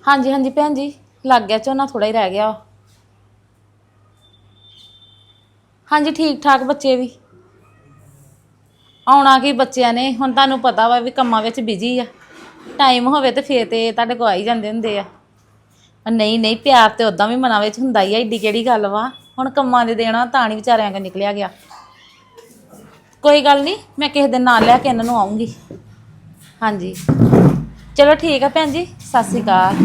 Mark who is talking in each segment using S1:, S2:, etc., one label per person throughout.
S1: ਹਾਂਜੀ ਹਾਂਜੀ ਭੈਣ ਜੀ, ਲੱਗ ਗਿਆ ਝੋਨਾ, ਥੋੜਾ ਹੀ ਰਹਿ ਗਿਆ। ਹਾਂਜੀ ਠੀਕ ਠਾਕ, ਬੱਚੇ ਵੀ ਆਉਣਾ ਕੀ ਬੱਚਿਆਂ ਨੇ, ਹੁਣ ਤੁਹਾਨੂੰ ਪਤਾ ਵਾ ਵੀ ਕੰਮਾਂ ਵਿੱਚ ਬਿਜੀ ਆ। ਟਾਈਮ ਹੋਵੇ ਤੇ ਫੇਰ ਤੇ ਤੁਹਾਡੇ ਕੋਲ ਆ ਹੀ ਜਾਂਦੇ ਹੁੰਦੇ ਆ। ਨਹੀਂ ਨਹੀਂ, ਪਿਆਰ ਤੇ ਉਦਾਂ ਵੀ ਮਨਾਂ ਵਿੱਚ ਹੁੰਦਾ ਹੀ ਆ, ਏਡੀ ਕਿਹੜੀ ਗੱਲ ਵਾ। ਹੁਣ ਕੰਮਾਂ ਦੇ ਦੇਣਾ ਤਾਂ ਨਹੀਂ ਵਿਚਾਰਿਆਂ ਕੋ ਨਿਕਲਿਆ ਗਿਆ। ਕੋਈ ਗੱਲ ਨਹੀਂ, ਮੈਂ ਕਿਸੇ ਦਿਨ ਨਾਲ ਲੈ ਕੇ ਇਹਨਾਂ ਨੂੰ ਆਊਂਗੀ। ਹਾਂਜੀ ਚਲੋ ਠੀਕ ਆ ਭੈਣ ਜੀ, ਸਤਿ ਸ਼੍ਰੀ ਅਕਾਲ।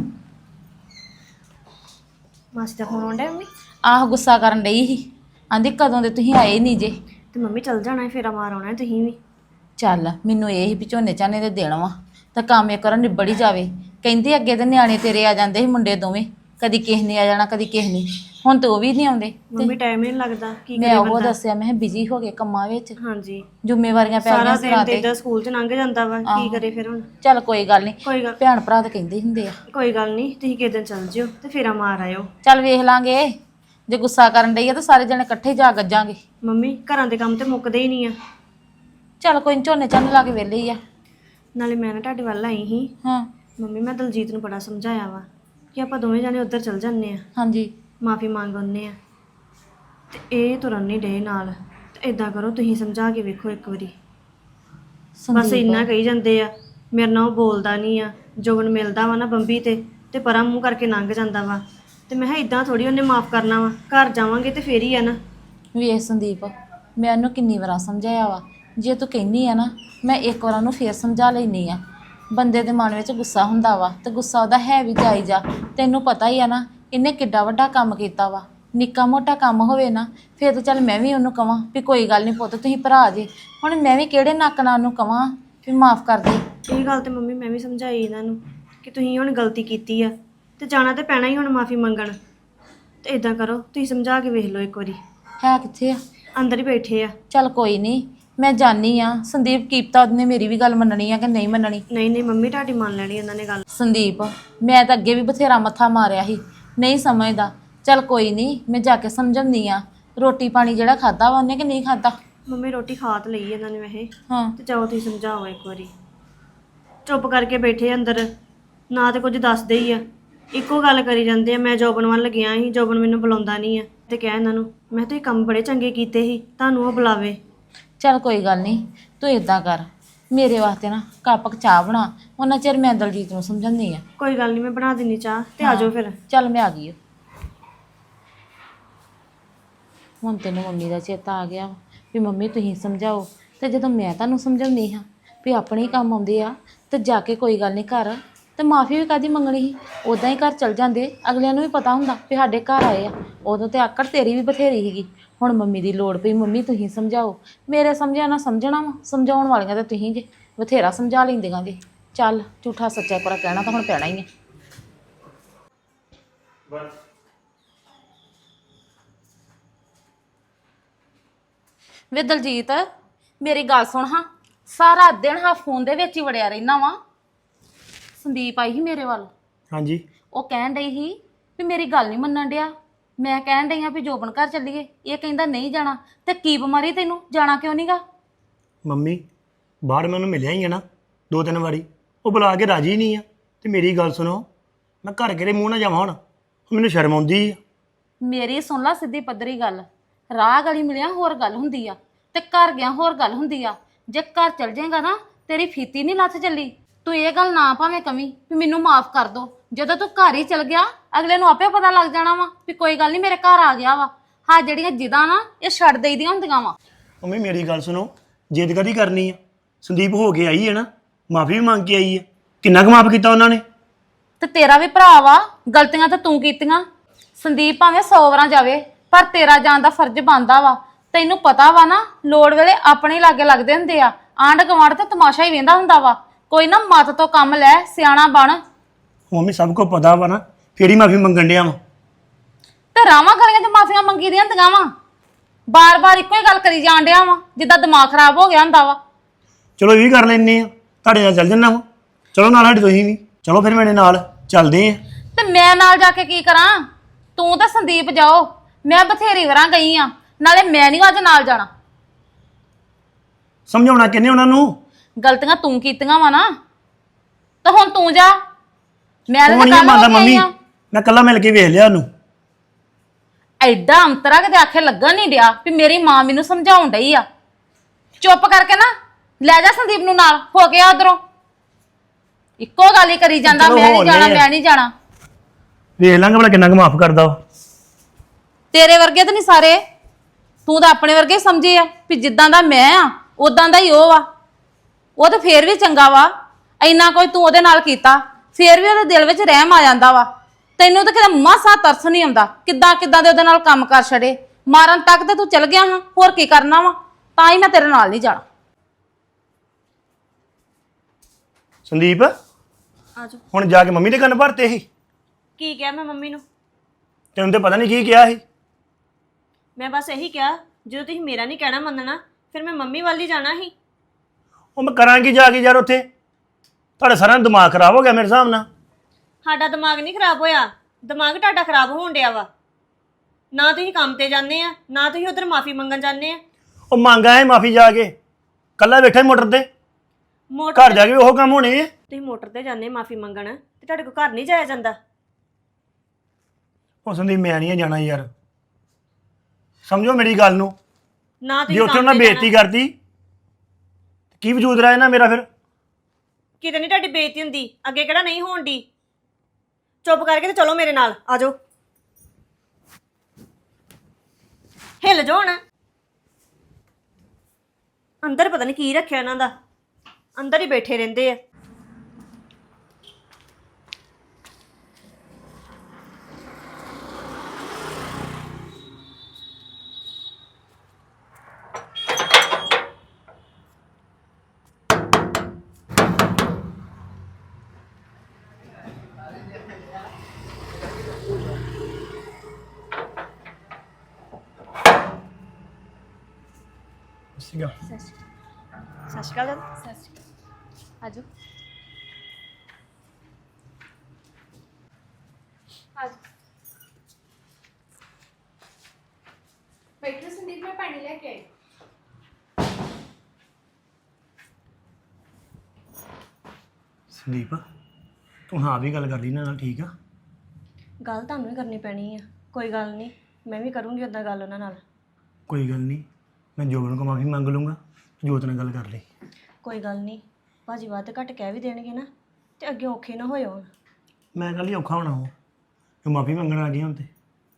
S2: ਮਾਸੀ ਦਾ ਫੋਨ ਆਉਂਦਾ ਮੰਮੀ?
S1: ਆਹ ਗੁੱਸਾ ਕਰਨ ਡਈ ਸੀ, ਆਂਦੀ ਕਦੋਂ ਦੇ ਤੁਸੀਂ ਆਏ ਨਹੀਂ ਜੇ।
S2: ਤੇ ਮੰਮੀ ਚੱਲ ਜਾਣਾ, ਫੇਰਾ ਮਾਰ ਆਉਣਾ ਤੁਸੀਂ ਵੀ।
S1: ਚੱਲ ਮੈਨੂੰ ਇਹ ਸੀ ਵੀ ਝੋਨੇ ਝਾਨੇ ਦੇ ਦੇਣ ਵਾ ਤਾਂ ਕੰਮ ਇੱਕ ਵਾਰ ਨਿਬੜ ਹੀ ਜਾਵੇ। ਕਹਿੰਦੇ ਅੱਗੇ ਤੇ ਨਿਆਣੇ ਤੇਰੇ ਆ ਜਾਂਦੇ ਸੀ, ਮੁੰਡੇ ਦੋਵੇਂ, ਕਦੀ ਕਿਸੇ ਨੇ ਆ ਜਾਣਾ ਕਦੀ ਕਿਸੇ ਨੇ। ਹੁਣ ਤੇ ਉਹ ਵੀ ਨਹੀਂ ਆਉਂਦੇ।
S2: ਮੰਮੀ ਟਾਈਮ ਨਹੀਂ ਲੱਗਦਾ, ਕੀ
S1: ਮੈਂ
S2: ਕਰੇ
S1: ਉਹ
S2: ਬੰਦਾ।
S1: ਦੱਸਿਆ, ਮੈਂ ਬਿਜੀ ਹੋ ਗਏ ਕੰਮਾਂ ਵਿੱਚ,
S2: ਹਾਂਜੀ,
S1: ਜ਼ਿੰਮੇਵਾਰੀਆਂ ਪੈ
S2: ਸਾਰਾ
S1: ਗਈਆਂ
S2: ਦਿਨ
S1: ਸਿਰਾਂ
S2: ਤੇ
S1: ਤੇ।
S2: ਏਦਾਂ ਸਕੂਲ 'ਚ ਲੰਘ ਜਾਂਦਾ ਵਾ, ਕੀ ਕਰੇ ਫਿਰ ਹੁਣ।
S1: ਚੱਲ ਕੋਈ ਗੱਲ ਨਹੀਂ,
S2: ਕੋਈ ਗੱਲ
S1: ਭੈਣ ਭਰਾ ਤਾਂ ਕਹਿੰਦੇ ਹੁੰਦੇ ਆ।
S2: ਕੋਈ ਗੱਲ ਨਹੀਂ, ਤੁਸੀਂ ਕਿਸੇ ਦਿਨ ਚੱਲ ਜਿਓ ਤੇ ਫੇਰਾ ਮਾਰ ਆਇਓ।
S1: ਚੱਲ ਵੇਖ ਲਾਂਗੇ, ਜੇ ਗੁੱਸਾ ਕਰਨ ਡਈ ਆ ਤਾਂ ਸਾਰੇ ਜਣੇ ਇਕੱਠੇ ਜਾ ਗੱਜਾਂਗੇ।
S2: ਮੰਮੀ ਘਰਾਂ ਦੇ ਕੰਮ ਤੇ ਮੁੱਕਦੇ ਹੀ ਨਹੀਂ ਆ।
S1: ਚੱਲ ਕੋਈ ਨੀ, ਝੋਨੇ ਝਾਨੇ ਲਾ ਕੇ ਵਿਹਲੇ ਹੀ ਆ।
S2: ਨਾਲੇ ਮੈਂ ਨਾ ਤੁਹਾਡੇ ਵੱਲ ਆਈ ਸੀ।
S1: ਹਾਂ
S2: ਮੰਮੀ ਮੈਂ ਦਲਜੀਤ ਨੂੰ ਬੜਾ ਸਮਝਾਇਆ ਵਾ ਕਿ ਆਪਾਂ ਦੋਵੇਂ ਜਾਣੇ ਉੱਧਰ ਚੱਲ ਜਾਂਦੇ ਆ,
S1: ਹਾਂਜੀ
S2: ਮਾਫੀ ਮੰਗ ਆਉਂਦੇ ਆ, ਤੇ ਇਹ ਤੁਰਨ ਨਹੀਂ ਡੇ ਨਾਲ। ਤੇ ਇਦਾਂ ਕਰੋ, ਤੁਸੀਂ ਸਮਝਾ ਕੇ ਵੇਖੋ ਇੱਕ ਵਾਰੀ। ਬਸ ਇੰਨਾ ਕਹੀ ਜਾਂਦੇ ਆ, ਮੇਰੇ ਨਾਲ ਉਹ ਬੋਲਦਾ ਨਹੀਂ ਆ, ਜੋਬਨ ਮਿਲਦਾ ਵਾ ਨਾ ਬੰਬੀ ਤੇ ਪਰਾਂ ਮੂੰਹ ਕਰਕੇ ਲੰਘ ਜਾਂਦਾ ਵਾ। ਤੇ ਮੈਂ ਕਿਹਾ ਇਦਾਂ ਥੋੜੀ ਉਹਨੇ ਮਾਫ ਕਰਨਾ ਵਾ, ਘਰ ਜਾਵਾਂਗੇ ਤੇ ਫੇਰ ਹੀ ਆ ਨਾ।
S1: ਵੇਖ ਸੰਦੀਪ, ਮੈਂ ਉਹਨੂੰ ਕਿੰਨੀ ਵਾਰ ਸਮਝਾਇਆ ਵਾ, ਜੇ ਤੂੰ ਕਹਿੰਦੀ ਆ ਨਾ, ਮੈਂ ਇੱਕ ਵਾਰ ਉਹਨੂੰ ਫੇਰ ਸਮਝਾ ਲੈਂਦੀ ਆ। ਬੰਦੇ ਦੇ ਮਨ ਵਿੱਚ ਗੁੱਸਾ ਹੁੰਦਾ ਵਾ, ਤੇ ਗੁੱਸਾ ਉਹਦਾ ਹੈ ਵੀ ਜਾਇਜ਼ ਆ। ਤੈਨੂੰ ਪਤਾ ਹੀ ਆ ਨਾ, ਇਹਨੇ ਕਿੱਡਾ ਵੱਡਾ ਕੰਮ ਕੀਤਾ ਵਾ। ਨਿੱਕਾ ਮੋਟਾ ਕੰਮ ਹੋਵੇ ਨਾ, ਫਿਰ ਤਾਂ ਚੱਲ ਮੈਂ ਵੀ ਉਹਨੂੰ ਕਵਾਂ ਵੀ ਕੋਈ ਗੱਲ ਨਹੀਂ ਪੁੱਤ, ਤੁਸੀਂ ਭਰਾ ਜੇ। ਹੁਣ ਮੈਂ ਵੀ ਕਿਹੜੇ ਨੱਕ ਨਾਲ ਉਹਨੂੰ ਕਵਾਂ ਵੀ ਮਾਫ ਕਰ ਦੇ।
S2: ਇਹ ਗੱਲ ਤੇ ਮੰਮੀ ਮੈਂ ਵੀ ਸਮਝਾਈ ਇਹਨਾਂ ਨੂੰ ਕਿ ਤੁਸੀਂ ਹੁਣ ਗਲਤੀ ਕੀਤੀ ਆ ਤੇ ਜਾਣਾ ਤੇ ਪੈਣਾ ਹੀ ਹੁਣ ਮਾਫੀ ਮੰਗਣ। ਤੇ ਇਦਾਂ ਕਰੋ, ਤੁਸੀਂ ਸਮਝਾ ਕੇ ਵੇਖ ਲਓ ਇੱਕ ਵਾਰੀ।
S1: ਹੈ ਕਿੱਥੇ ਆ?
S2: ਅੰਦਰ ਹੀ ਬੈਠੇ ਆ।
S1: ਚੱਲ ਕੋਈ ਨਹੀਂ, ਮੈਂ ਜਾਣੀ ਆ। ਸੰਦੀਪ ਕੀਪਤਾ ਉਹਨੇ ਮੇਰੀ ਵੀ ਗੱਲ ਮੰਨਣੀ ਆ ਕਿ ਨਹੀਂ ਮੰਨਣੀ।
S2: ਨਹੀਂ ਨਹੀਂ ਮੰਮੀ, ਤੁਹਾਡੀ ਮੰਨ ਲੈਣੀ ਉਹਨਾਂ ਨੇ ਗੱਲ।
S1: ਸੰਦੀਪ, ਮੈਂ ਤਾਂ ਅੱਗੇ ਵੀ ਬਥੇਰਾ ਮੱਥਾ ਮਾਰਿਆ ਸੀ, ਨਹੀਂ ਸਮਝਦਾ। ਚੱਲ ਕੋਈ ਨਹੀਂ, ਮੈਂ ਜਾ ਕੇ ਸਮਝਾਉਂਦੀ ਆ। ਰੋਟੀ ਪਾਣੀ ਜਿਹੜਾ ਖਾਦਾ ਵਾ ਉਹਨੇ ਕਿ ਨਹੀਂ ਖਾਦਾ?
S2: ਮੰਮੀ ਰੋਟੀ ਖਾ ਤਾਂ ਲਈ ਇਹਨਾਂ ਨੇ ਵੈਸੇ।
S1: ਹਾਂ
S2: ਤੇ ਜਾਓ ਤੁਸੀਂ ਸਮਝਾਓ ਇੱਕ ਵਾਰੀ। ਚੁੱਪ ਕਰਕੇ ਬੈਠੇ ਅੰਦਰ, ਨਾ ਤੇ ਕੁਝ ਦੱਸਦੇ ਹੀ ਆ, ਇੱਕੋ ਗੱਲ ਕਰੀ ਜਾਂਦੇ ਆ। ਮੈਂ ਜੋਬਨ ਵੱਲ ਗਿਆ ਸੀ, ਜੋਬਨ ਮੈਨੂੰ ਬੁਲਾਉਂਦਾ ਨਹੀਂ ਆ। ਤੇ ਕਿਹਾ ਇਹਨਾਂ ਨੂੰ, ਮੈਂ ਤੁਸੀਂ ਕੰਮ ਬੜੇ ਚੰਗੇ ਕੀਤੇ ਸੀ, ਤੁਹਾਨੂੰ ਉਹ ਬੁਲਾਵੇ।
S1: ਚੱਲ ਕੋਈ ਗੱਲ ਨਹੀਂ, ਤੂੰ ਇਦਾਂ ਕਰ, ਮੇਰੇ ਵਾਸਤੇ ਨਾ ਕੱਪ ਚਾਹ ਬਣਾ, ਉਹਨਾਂ ਚਿਰ ਮੈਂ ਦਲਜੀਤ ਨੂੰ ਸਮਝਾਉਂਦੀ ਆ।
S2: ਕੋਈ ਗੱਲ ਨਹੀਂ, ਮੈਂ ਬਣਾ ਦਿੰਨੀ ਚਾਹ, ਤੇ ਆ ਜਾਓ ਫਿਰ।
S1: ਚੱਲ ਮੈਂ ਆ ਗਈ ਓ। ਹੁਣ ਤੈਨੂੰ ਮੰਮੀ ਦਾ ਚੇਤਾ ਆ ਗਿਆ ਵੀ ਮੰਮੀ ਤੁਸੀਂ ਸਮਝਾਓ। ਤੇ ਜਦੋਂ ਮੈਂ ਤੁਹਾਨੂੰ ਸਮਝਾਉਂਦੀ ਹਾਂ ਵੀ ਆਪਣੇ ਹੀ ਕੰਮ ਆਉਂਦੇ ਆ, ਤੇ ਜਾ ਕੇ ਕੋਈ ਗੱਲ ਨਹੀਂ ਘਰ, ਤੇ ਮਾਫੀ ਵੀ ਕਾਹਦੀ ਮੰਗਣੀ ਸੀ। ਉੱਦਾਂ ਹੀ ਘਰ ਚਲ ਜਾਂਦੇ, ਅਗਲਿਆਂ ਨੂੰ ਵੀ ਪਤਾ ਹੁੰਦਾ ਵੀ ਸਾਡੇ ਘਰ ਆਏ ਆ। ਉਦੋਂ ਤੇ ਆਕੜ ਤੇਰੀ ਵੀ ਬਥੇਰੀ ਸੀਗੀ। ਹੁਣ ਮੰਮੀ ਦੀ ਲੋੜ ਪਈ, ਮੰਮੀ ਤੁਸੀਂ ਸਮਝਾਓ। ਮੇਰੇ ਸਮਝਿਆ ਨਾ ਸਮਝਣਾ ਵਾ, ਸਮਝਾਉਣ ਵਾਲੀਆਂ ਤਾਂ ਤੁਸੀਂ ਜੇ, ਬਥੇਰਾ ਸਮਝਾ ਲੈਂਦੀਆਂ ਜੇ। ਚੱਲ ਝੂਠਾ ਸੱਚਾ ਪਰ ਕਹਿਣਾ ਤਾਂ ਹੁਣ ਪੈਣਾ ਹੀ ਹੈ। ਵੇ ਦਲਜੀਤ, ਮੇਰੀ ਗੱਲ ਸੁਣ ਹਾਂ, ਸਾਰਾ ਦਿਨ ਹਾਂ ਫੋਨ ਦੇ ਵਿੱਚ ਹੀ ਵੜਿਆ ਰਹਿਣਾ ਵਾ। ਸੰਦੀਪ ਆਈ ਸੀ ਮੇਰੇ ਵੱਲ।
S3: ਹਾਂਜੀ।
S1: ਉਹ ਕਹਿਣ ਡਈ ਸੀ ਵੀ ਮੇਰੀ ਗੱਲ ਨਹੀਂ ਮੰਨਣ ਡਿਆ। ਮੈਂ ਕਹਿਣ ਡਈ ਹਾਂ ਵੀ ਜੋਬਨ ਘਰ ਚੱਲੀਏ, ਇਹ ਕਹਿੰਦਾ ਨਹੀਂ ਜਾਣਾ। ਤੇ ਕੀ ਬਿਮਾਰੀ ਤੈਨੂੰ, ਜਾਣਾ ਕਿਉਂ ਨਹੀਂਗਾ?
S3: ਮੰਮੀ ਬਾਹਰ ਮੈਂ ਉਹਨੂੰ ਮਿਲਿਆ ਹੀ ਆ ਨਾ 2-3 ਵਾਰੀ, ਉਹ ਬੁਲਾ ਕੇ ਰਾਜੀ ਨਹੀਂ ਆ। ਤੇ ਮੇਰੀ ਗੱਲ ਸੁਣੋ, ਮੈਂ ਘਰ ਕਿਹੜੇ ਮੂੰਹ ਨਾਲ ਜਾਵਾਂ ਹੁਣ, ਮੈਨੂੰ ਸ਼ਰਮ ਆਉਂਦੀ ਆ।
S1: ਮੇਰੀ ਸੁਣ ਲਾ ਸਿੱਧੀ ਪੱਧਰੀ ਗੱਲ, ਰਾਹ ਗਲੀ ਮਿਲਿਆ ਹੋਰ ਗੱਲ ਹੁੰਦੀ ਆ, ਤੇ ਘਰ ਗਿਆ ਹੋਰ ਗੱਲ ਹੁੰਦੀ ਆ। ਜੇ ਘਰ ਚਲ ਜਾਏਗਾ ਨਾ, ਤੇਰੀ ਫੀਤੀ ਨਹੀਂ ਲੱਥ ਚੱਲੀ। ਤੂੰ ਇਹ ਗੱਲ ਨਾ ਭਾਵੇਂ ਕਵੀਂ ਵੀ ਮੈਨੂੰ ਮਾਫ ਕਰ ਦੋ। ਜਦੋਂ ਤੂੰ ਘਰ ਹੀ ਚਲ ਗਿਆ, ਅਗਲੇ ਨੂੰ ਆਪੇ ਪਤਾ ਲੱਗ ਜਾਣਾ ਵਾ ਵੀ ਕੋਈ ਗੱਲ ਨਹੀਂ ਮੇਰੇ ਘਰ ਆ ਗਿਆ ਵਾ। ਹਾਂ ਜਿਹੜੀਆਂ ਜਿੱਦਾਂ ਨਾ ਇਹ ਛੱਡ ਦੇਈਦੀਆਂ ਹੁੰਦੀਆਂ ਵਾ।
S3: ਮੰਮੀ ਮੇਰੀ ਗੱਲ ਸੁਣੋ, ਜਿੱਦ ਕਦੀ ਕਰਨੀ ਆ? ਸੰਦੀਪ ਹੋ ਕੇ ਆਈ ਹੈ ਨਾ, ਮਾਫੀ ਵੀ ਮੰਗ ਕੇ ਆਈ ਹੈ। ਕਿੰਨਾ ਕੁ ਮਾਫ ਕੀਤਾ ਉਹਨਾਂ ਨੇ?
S1: ਤੇ ਤੇਰਾ ਵੀ ਭਰਾ ਵਾ, ਗਲਤੀਆਂ ਤਾਂ ਤੂੰ ਕੀਤੀਆਂ। ਸੰਦੀਪ ਭਾਵੇਂ 100 ਵਾਰਾਂ ਜਾਵੇ, ਪਰ ਤੇਰਾ ਜਾਣ ਦਾ ਫਰਜ਼ ਬਣਦਾ ਵਾ। ਤੈਨੂੰ ਪਤਾ ਵਾ ਨਾ, ਲੋੜ ਵੇਲੇ ਆਪਣੇ ਲਾਗੇ ਲੱਗਦੇ ਹੁੰਦੇ ਆ। ਆਂਢ ਗੁਆਂਢ ਤੇ ਤਮਾਸ਼ਾ ਹੀ ਵੇਂਦਾ ਹੁੰਦਾ ਵਾ। ਕੋਈ ਨਾ ਮੱਤ ਤੋਂ ਕੰਮ ਲੈ, ਸਿਆਣਾ ਬਣ।
S3: ਮੰਮੀ ਸਭ ਕੁਝ ਪਤਾ ਵਾ ਨਾ, ਫੇਰ ਹੀ ਮਾਫੀ ਮੰਗਣ ਡਿਆ ਵਾ।
S1: ਤੇ ਰਾਵਾਂ ਗਲੀਆਂ 'ਚ ਮਾਫੀਆਂ ਮੰਗੀ ਦੀਆਂ ਹੁੰਦੀਆਂ ਵਾ। ਬਾਰ-ਬਾਰ ਇੱਕੋ ਹੀ ਗੱਲ ਕਰੀ ਜਾਣ ਡਿਆ ਵਾ, ਜਿੱਦਾਂ ਦਿਮਾਗ ਖਰਾਬ ਹੋ ਗਿਆ ਹੁੰਦਾ ਵਾ।
S3: ਚਲੋ ਇਹ ਵੀ ਕਰ ਲੈਂਦੇ ਆ, ਤੁਹਾਡੇ ਨਾਲ ਚੱਲ ਜੰਨਾ ਵਾ। ਚਲੋ ਨਾਲ ਸਾਡੇ ਤੁਸੀਂ ਵੀ ਚਲੋ, ਫਿਰ ਮੇਰੇ ਨਾਲ ਚੱਲਦੇ ਆ।
S1: ਤੇ ਮੈਂ ਨਾਲ ਜਾ ਕੇ ਕੀ ਕਰਾਂ? ਤੂੰ ਤਾਂ ਸੰਦੀਪ ਜਾਓ, ਮੈਂ ਬਥੇਰੀ ਵਾਰਾਂ ਗਈ ਆ। ਨਾਲੇ ਮੈਂ ਨਹੀਂ ਅੱਜ ਨਾਲ ਜਾਣਾ।
S3: ਸਮਝਾਉਣਾ ਕਿੰਨੇ ਉਹਨਾਂ ਨੂੰ?
S1: ਗਲਤੀਆਂ ਤੂੰ ਕੀਤੀਆਂ ਵਾ ਨਾ, ਤਾਂ ਹੁਣ ਤੂੰ ਜਾ। ਮੈਂ ਤਾਂ
S3: ਤੂੰ ਨਹੀਂ
S1: ਕੱਲ੍ਹ
S3: ਮੰਨਦਾ
S1: ਹੋ ਕੇ ਆਈ
S3: ਮੰਮੀ
S1: ਆਂ।
S3: ਮੈਂ ਕੱਲਾ ਮਿਲ ਕੇ ਵੇਖ ਲਿਆ ਉਹਨੂੰ।
S1: ਐਡਾ ਅੰਤਰਾ ਕਿਤੇ ਆਖੇ ਲੱਗਣ ਨਹੀਂ ਡਿਆ ਵੀ ਮੇਰੀ ਮਾਂ ਮੈਨੂੰ ਸਮਝਾਉਣ ਡਈ ਆ। ਚੁੱਪ ਕਰਕੇ ਨਾ ਲੈ ਜਾ ਸੰਦੀਪ ਨੂੰ ਨਾਲ, ਹੋ ਗਿਆ ਉਧਰੋਂ। ਇੱਕੋ ਗੱਲ ਹੀ ਕਰੀ ਜਾਂਦਾ,
S3: ਚਲੋ
S1: ਮੈਂ ਨਹੀਂ
S3: ਹੋ
S1: ਜਾਣਾ,
S3: ਲਿਆ।
S1: ਮੈਂ ਨਹੀਂ ਜਾਣਾ।
S3: ਵੇਖ ਲਾਂਗਾ ਭਲਾ ਕਿੰਨਾ ਕੁ ਮਾਫ ਕਰਦਾ ਉਹ।
S1: ਤੇਰੇ ਵਰਗੇ ਤਾਂ ਨਹੀਂ ਸਾਰੇ, ਤੂੰ ਤਾਂ ਆਪਣੇ ਵਰਗੇ ਹੀ ਸਮਝੇ ਆ ਵੀ ਜਿੱਦਾਂ ਦਾ ਮੈਂ ਆ ਉਦਾਂ ਦਾ ਹੀ ਉਹ ਆ। ਉਹ ਤਾਂ ਫੇਰ ਵੀ ਚੰਗਾ ਵਾ, ਇੰਨਾ ਕੋਈ ਤੂੰ ਉਹਦੇ ਨਾਲ ਕੀਤਾ, ਫੇਰ ਵੀ ਉਹਦੇ ਦਿਲ ਵਿੱਚ ਰਹਿਮ ਆ ਜਾਂਦਾ ਵਾ। ਤੈਨੂੰ ਤਾਂ ਕਿਤੇ ਮਾਸਾ ਤਰਸ ਨਹੀਂ ਆਉਂਦਾ, ਕਿੱਦਾਂ ਕਿੱਦਾਂ ਦੇ ਉਹਦੇ ਨਾਲ ਕੰਮ ਕਰ ਛੜੇ। ਮਾਰਨ ਤੱਕ ਤੇ ਤੂੰ ਚਲ ਗਿਆ ਹਾਂ, ਹੋਰ ਕੀ ਕਰਨਾ ਵਾ? ਤਾਂ ਹੀ ਮੈਂ ਤੇਰੇ ਨਾਲ ਨਹੀਂ ਜਾਣਾ।
S3: ਸੰਦੀਪ
S2: ਆਜੋ।
S3: ਹੁਣ ਜਾ ਕੇ ਮੰਮੀ ਦੇ ਕੰਨ ਭਰਤੇ ਸੀ।
S2: ਕੀ ਕਿਹਾ ਮੈਂ ਮੰਮੀ ਨੂੰ?
S3: ਤੈਨੂੰ ਤੇ ਪਤਾ ਨਹੀਂ ਕੀ ਕਿਹਾ ਸੀ।
S2: ਮੈਂ ਬਸ ਇਹੀ ਕਿਹਾ, ਜਦੋਂ ਤੁਸੀਂ ਮੇਰਾ ਨਹੀਂ ਕਹਿਣਾ ਮੰਨਣਾ ਫਿਰ ਮੈਂ ਮੰਮੀ ਵੱਲ ਹੀ ਜਾਣਾ ਸੀ।
S3: ਉਹ ਮੈਂ ਕਰਾਂਗੀ ਜਾ ਕੇ ਯਾਰ ਉੱਥੇ। ਤੁਹਾਡਾ ਸਾਰਾ ਦਿਮਾਗ ਖਰਾਬ ਹੋ ਗਿਆ ਮੇਰੇ ਹਿਸਾਬ ਨਾਲ।
S2: ਸਾਡਾ ਦਿਮਾਗ ਨਹੀਂ ਖਰਾਬ ਹੋਇਆ, ਦਿਮਾਗ ਤੁਹਾਡਾ ਖਰਾਬ ਹੋਣ ਡਿਆ ਵਾ। ਨਾ ਤੁਸੀਂ ਕੰਮ ਤੇ ਜਾਂਦੇ ਆ, ਨਾ ਤੁਸੀਂ ਉਧਰ ਮਾਫੀ ਮੰਗਣ ਜਾਂਦੇ ਆ।
S3: ਉਹ ਮੰਗਾ ਹੈ ਮਾਫੀ ਜਾ ਕੇ, ਕੱਲਾ ਬੈਠਾ ਮੋਟਰ ਤੇ।
S2: ਮੋਟਰ
S3: ਘਰ ਜਾ ਕੇ ਵੀ ਉਹ ਕੰਮ ਹੋਣੇ ਆ।
S2: ਤੁਸੀਂ ਮੋਟਰ ਤੇ ਜਾਂਦੇ ਮਾਫੀ ਮੰਗਣ, ਤੇ ਤੁਹਾਡੇ ਕੋਲ ਘਰ ਨਹੀਂ ਜਾਇਆ ਜਾਂਦਾ।
S3: ਉਹ ਸੰਦੀਪ ਮੈਂ ਨਹੀਂ ਜਾਣਾ ਯਾਰ, ਸਮਝੋ ਮੇਰੀ ਗੱਲ ਨੂੰ।
S2: ਨਾ
S3: ਜੇ
S2: ਤੁਸੀਂ
S3: ਉੱਥੇ
S2: ਕੰਮ
S3: ਉਹਨਾਂ
S2: ਤੇ
S3: ਬੇਇੱਜ਼ਤੀ
S2: ਜਾਣਾ।
S3: ਕਰਤੀ ਕੀ ਵਜੂਦ ਰਿਹਾ ਨਾ ਮੇਰਾ ਫਿਰ।
S2: ਕਿਤੇ ਨਹੀਂ ਤੁਹਾਡੀ ਬੇਇੱਜ਼ਤੀ ਹੁੰਦੀ, ਅੱਗੇ ਕਿਹੜਾ ਨਹੀਂ ਹੋਣ ਦੀ। ਚੁੱਪ ਕਰਕੇ ਤੇ ਚਲੋ ਮੇਰੇ ਨਾਲ, ਆ ਜਾਓ। ਹਿੱਲ ਜਾਓ ਹੁਣ। ਅੰਦਰ ਪਤਾ ਨਹੀਂ ਕੀ ਰੱਖਿਆ ਇਹਨਾਂ ਦਾ, ਅੰਦਰ ਹੀ ਬੈਠੇ ਰਹਿੰਦੇ ਆ।
S3: ਸੀਗਾ
S2: ਸਤਿ ਸ਼੍ਰੀ ਅਕਾਲ ਦਾਦੀ।
S1: ਆਜੋ
S4: ਬੈਠੋ ਸੰਦੀਪ, ਮੈਂ ਪਾਣੀ ਲੈ ਕੇ ਆਈ।
S3: ਸੰਦੀਪ ਤੂੰ ਹਾਂ ਵੀ ਗੱਲ ਕਰ ਲਈ ਨਾ ਨਾਲ, ਠੀਕ ਆ।
S2: ਗੱਲ ਤੁਹਾਨੂੰ ਹੀ ਕਰਨੀ ਪੈਣੀ ਆ, ਕੋਈ ਗੱਲ ਨਹੀਂ, ਮੈਂ ਵੀ ਕਰੂੰਗੀ ਉੱਦਾਂ ਗੱਲ ਉਹਨਾਂ ਨਾਲ।
S3: ਕੋਈ ਗੱਲ ਨਹੀਂ, ਮੈਂ ਜੋਬਨ ਕੋ ਮਾਫੀ ਮੰਗ ਲੂੰਗਾ, ਜੋਤ ਨਾਲ ਗੱਲ ਕਰ ਲਈ।
S2: ਕੋਈ ਗੱਲ ਨਹੀਂ, ਭਾਜੀ ਵੱਧ ਘੱਟ ਕਹਿ ਵੀ ਦੇਣਗੇ ਨਾ, ਤੇ ਅੱਗੇ ਔਖੇ ਨਾ ਹੋਇਓ ਹੁਣ।
S3: ਮੈਂ ਕੱਲ ਹੀ ਔਖਾ ਹੋਣਾ ਉਹ ਜੋ ਮਾਫੀ ਮੰਗਣ ਆ ਗਈ ਹੁਣ ਤੇ।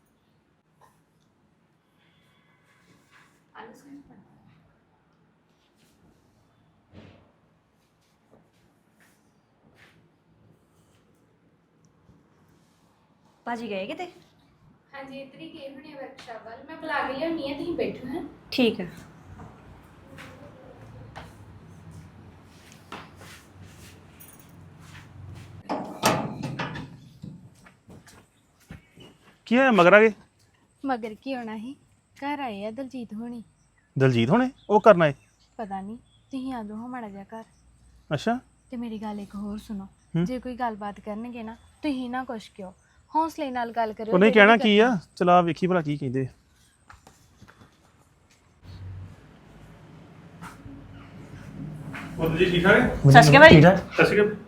S2: ਭਾਜੀ ਗਏ ਕਿਤੇ?
S4: ਹਾਂਜੀ, ਇੱਧਰ ਹੀ ਗਏ ਹੋਣੇ ਵਰਕਸ਼ਾਪ ਵੱਲ। ਮੈਂ ਬੁਲਾ ਕੇ ਲਿਆਉਣੀ ਆ, ਤੁਸੀਂ ਬੈਠੋ। ਹੈ
S2: ਠੀਕ ਹੈ।
S5: ਕੀ ਹੋਇਆ ਮਗਰ ਆ ਗਏ?
S4: ਮਗਰ ਕੀ ਹੋਣਾ ਸੀ, ਘਰ ਆਏ ਆ ਦਲਜੀਤ ਹੋਣੀ।
S5: ਦਲਜੀਤ ਹੋਣੇ ਉਹ ਕਰਨਾ ਏ?
S4: ਪਤਾ ਨਹੀਂ, ਤੁਸੀਂ ਆ ਜਾਓ ਹਾਂ ਮਾੜਾ ਜਿਹਾ ਘਰ।
S5: ਅੱਛਾ
S4: ਤੇ ਮੇਰੀ ਗੱਲ ਇੱਕ ਹੋਰ ਸੁਣੋ,
S5: ਹੂੰ।
S4: ਜੇ ਕੋਈ ਗੱਲਬਾਤ ਕਰਨਗੇ ਨਾ, ਤੁਸੀਂ ਨਾ ਕੁਛ ਕਿਉਂ, ਹੌਸਲੇ ਨਾਲ ਗੱਲ ਕਰਿਓ।
S5: ਉਹਨੇ
S4: ਜਿਹੜੀ
S5: ਕਹਿਣਾ
S4: ਵੀ
S5: ਕੀ ਆ, ਚਲਾ ਵੇਖੀ ਭਲਾ ਕੀ ਕਹਿੰਦੇ। ਉਹ ਜੀ ਠੀਕ ਠਾਕ ਹੈ?
S2: ਸਤਿ ਸ਼੍ਰੀ ਅਕਾਲ ਭਾਈ।
S3: ਠੀਕ ਆ?
S5: ਸਤਿ ਸ਼੍ਰੀ ਅਕਾਲ।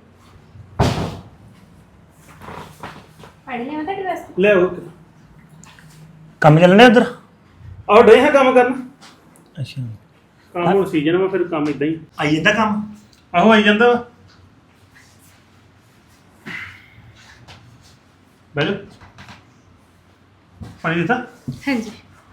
S4: ਪਾਣੀ ਲਿਆਵਾਂ ਤੁਹਾਡੇ ਵਾਸਤੇ?
S5: ਲੈ ਆਓ।
S3: ਕੰਮ ਚੱਲਣੇ ਉਧਰ?
S5: ਆਹ ਡੇ ਹੈ ਕੰਮ ਕਰਨ।
S3: ਅੱਛਾ,
S5: ਕੰਮ ਹੁਣ ਸੀਜ਼ਨ ਵਾ, ਫਿਰ ਕੰਮ ਇਦਾਂ ਹੀ।
S3: ਆਈ ਜਾਂਦਾ ਕੰਮ?
S5: ਆਹੋ ਆਈ ਜਾਂਦਾ ਵਾ। ਬੈਠੋ। ਪਾਣੀ ਦਿੱਤਾ?
S4: ਹਾਂਜੀ।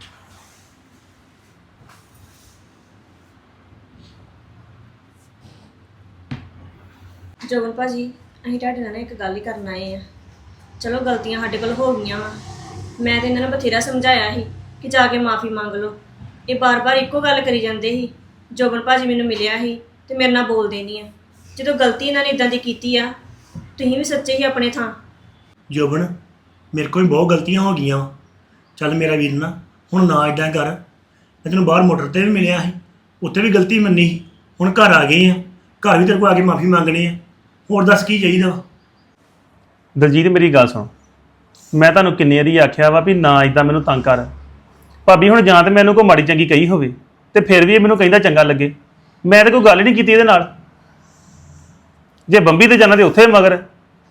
S2: ਜੋਬਨ ਭਾਜੀ, ਅਸੀਂ ਤੁਹਾਡੇ ਨਾਲ ਨਾ ਇੱਕ ਗੱਲ ਹੀ ਕਰਨ ਆਏ ਆ। ਚਲੋ ਗਲਤੀਆਂ ਸਾਡੇ ਕੋਲ ਹੋ ਗਈਆਂ ਵਾ, ਮੈਂ ਤੇ ਇਹਨਾਂ ਨੂੰ ਬਥੇਰਾ ਸਮਝਾਇਆ ਸੀ ਕਿ ਜਾ ਕੇ ਮਾਫੀ ਮੰਗ ਲਓ। ਇਹ ਬਾਰ-ਬਾਰ ਇੱਕੋ ਗੱਲ ਕਰੀ ਜਾਂਦੇ ਸੀ। ਜੋਬਨ ਭਾਜੀ ਮੈਨੂੰ ਮਿਲਿਆ ਸੀ ਤੇ ਮੇਰੇ ਨਾਲ ਬੋਲਦੇ ਨਹੀਂ ਆ। ਜਦੋਂ ਗਲਤੀ ਇਹਨਾਂ ਨੇ ਇਦਾਂ ਦੀ ਕੀਤੀ ਆ, ਤੁਸੀਂ ਵੀ ਸੱਚੇ ਹੀ ਆਪਣੇ ਥਾਂ।
S3: ਜੋਬਨ ਮੇਰੇ ਕੋਲ ਵੀ ਬਹੁਤ ਗਲਤੀਆਂ ਹੋ ਗਈਆਂ। ਚੱਲ ਮੇਰਾ ਵੀਰ ਨਾ, ਹੁਣ ਨਾ ਇਦਾਂ ਕਰ। ਮੈਂ ਤੈਨੂੰ ਬਾਹਰ ਮੋਟਰ ਤੇ ਵੀ ਮਿਲਿਆ ਸੀ, ਉੱਥੇ ਵੀ ਗਲਤੀ ਮੰਨੀ ਸੀ। ਹੁਣ ਘਰ ਆ ਗਏ ਆ, ਘਰ ਵੀ ਤੇਰੇ ਕੋਲ ਆ ਕੇ ਮਾਫੀ ਮੰਗਣੀ ਆ। ਹੋਰ ਦੱਸ ਕੀ ਚਾਹੀਦਾ ਵਾ?
S5: ਦਲਜੀਤ ਮੇਰੀ ਗੱਲ ਸੁਣ, ਮੈਂ ਤੁਹਾਨੂੰ ਕਿੰਨੀ ਵਾਰੀ ਆਖਿਆ ਵਾ ਵੀ ਨਾ ਇਦਾਂ ਮੈਨੂੰ ਤੰਗ ਕਰ। ਭਾਬੀ ਹੁਣ ਜਾਂ ਤੇ ਮੈਨੂੰ ਕੋਈ ਮਾੜੀ ਚੰਗੀ ਕਹੀ ਹੋਵੇ ਤੇ ਫਿਰ ਵੀ ਇਹ ਮੈਨੂੰ ਕਹਿੰਦਾ ਚੰਗਾ ਲੱਗੇ। ਮੈਂ ਤਾਂ ਕੋਈ ਗੱਲ ਹੀ ਨਹੀਂ ਕੀਤੀ ਇਹਦੇ ਨਾਲ। ਜੇ ਬੰਬੀ ਤੇ ਜਾਣਾ ਤੇ ਉੱਥੇ ਮਗਰ,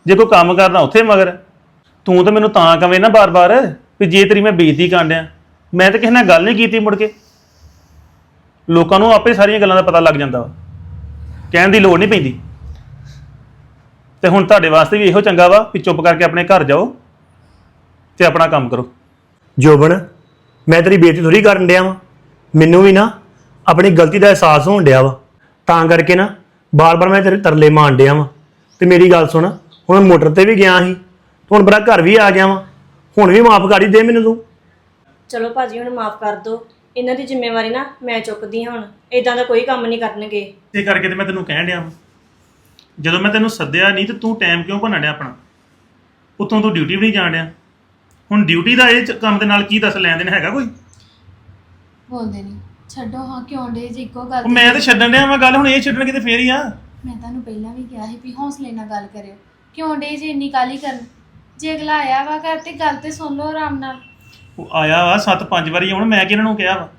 S5: ਜੇ ਕੋਈ ਕੰਮ ਕਰਨਾ ਉੱਥੇ ਮਗਰ। ਤੂੰ ਤਾਂ ਮੈਨੂੰ ਤਾਂ ਕਵੇਂ ਨਾ ਬਾਰ-ਬਾਰ ਵੀ ਜੇ ਤੇਰੀ ਮੈਂ ਬੇਇੱਜ਼ਤੀ ਕਰਨ ਡਿਆ, ਮੈਂ ਤਾਂ ਕਿਸੇ ਨਾਲ ਗੱਲ ਨਹੀਂ ਕੀਤੀ ਮੁੜ ਕੇ। ਲੋਕਾਂ ਨੂੰ ਆਪੇ ਸਾਰੀਆਂ ਗੱਲਾਂ ਦਾ ਪਤਾ ਲੱਗ ਜਾਂਦਾ ਵਾ, ਕਹਿਣ ਦੀ ਲੋੜ ਨਹੀਂ ਪੈਂਦੀ। ਤੇ ਹੁਣ ਤੁਹਾਡੇ ਵਾਸਤੇ ਵੀ ਇਹੋ ਚੰਗਾ ਵਾ ਵੀ ਚੁੱਪ ਕਰਕੇ ਆਪਣੇ ਘਰ ਜਾਓ ਤੇ ਆਪਣਾ ਕੰਮ ਕਰੋ।
S3: ਜੋਬਨ, ਮੈਂ ਤੇਰੀ ਬੇਇੱਜ਼ਤੀ ਥੋੜੀ ਕਰਨ ਡਿਆ ਵਾਂ। ਮੈਨੂੰ ਵੀ ਨਾ ਆਪਣੀ ਗਲਤੀ ਦਾ ਅਹਿਸਾਸ ਹੋਣ ਡਿਆ ਵਾ, ਤਾਂ ਕਰਕੇ ਨਾ ਬਾਰ-ਬਾਰ ਮੈਂ ਤੇਰੇ ਤਰਲੇ ਮਾਰਨ ਡਿਆ ਵਾਂ। ਤੇ ਮੇਰੀ ਗੱਲ ਸੁਣ, ਹੁਣ ਮੈਂ ਮੋਟਰ ਤੇ ਵੀ ਗਿਆ ਸੀ, ਹੁਣ ਬੜਾ ਘਰ ਵੀ ਆ ਗਿਆ ਵਾਂ, ਹੁਣ ਵੀ ਮਾਫ ਕਰ ਹੀ ਦੇ ਮੈਨੂੰ ਤੂੰ।
S2: ਚਲੋ ਭਾਜੀ ਹੁਣ ਮਾਫ ਕਰ ਦਿਓ, ਇਹਨਾਂ ਦੀ ਜ਼ਿੰਮੇਵਾਰੀ ਨਾ ਮੈਂ ਚੁੱਕਦੀ ਹਾਂ। ਹੁਣ ਇਦਾਂ ਦਾ ਕੋਈ ਕੰਮ ਨਹੀਂ ਕਰਨਗੇ।
S5: ਤੇ ਕਰਕੇ ਤੇ ਮੈਂ ਤੈਨੂੰ ਕਹਿਣ ਡਿਆ ਵਾਂ, ਜਦੋਂ ਮੈਂ ਤੈਨੂੰ ਸੱਦਿਆ ਨਹੀਂ ਤੇ ਤੂੰ ਟਾਈਮ ਕਿਉਂ ਭੰਨਣ ਡਿਆ ਆਪਣਾ? ਉੱਥੋਂ ਤੂੰ ਡਿਊਟੀ ਵੀ ਨਹੀਂ ਜਾਣ ਡਿਆ। ਹੁਣ ਡਿਊਟੀ ਦਾ ਇਹ ਕੰਮ ਦੇ ਨਾਲ ਕੀ ਦੱਸ ਲੈਣ ਦੇਣ ਹੈਗਾ ਕੋਈ?
S4: ਬੋਲਦੇ ਨਹੀਂ, ਛੱਡੋ ਹਾਂ, ਕਿਉਂ ਡੇ ਜੇ ਇੱਕੋ ਗੱਲ
S5: ਉਹ ਮੈਂ ਤਾਂ ਛੱਡਣ ਡਿਆ ਵਾਂ ਗੱਲ, ਹੁਣ ਇਹ ਛੱਡਣ ਕਿਤੇ ਫੇਰ ਹੀ ਆ।
S4: ਮੈਂ ਤੁਹਾਨੂੰ ਪਹਿਲਾਂ ਵੀ ਕਿਹਾ ਸੀ ਵੀ ਹੌਸਲੇ ਨਾਲ ਗੱਲ ਕਰਿਓ, ਕਿਉਂ ਡੇ ਜੇ ਇੰਨੀ ਕਾਹਲੀ ਕਰਨ? ਜੇ ਅਗਲਾ ਆਇਆ ਵਾ ਘਰ ਤੇ ਗੱਲ ਤੇ ਸੁਣ ਲਓ ਆਰਾਮ ਨਾਲ।
S5: ਉਹ ਆਇਆ ਵਾ 7-5 ਵਾਰੀ, ਹੁਣ ਮੈਂ ਕਿ ਇਹਨਾਂ ਨੂੰ ਕਿਹਾ ਵਾ?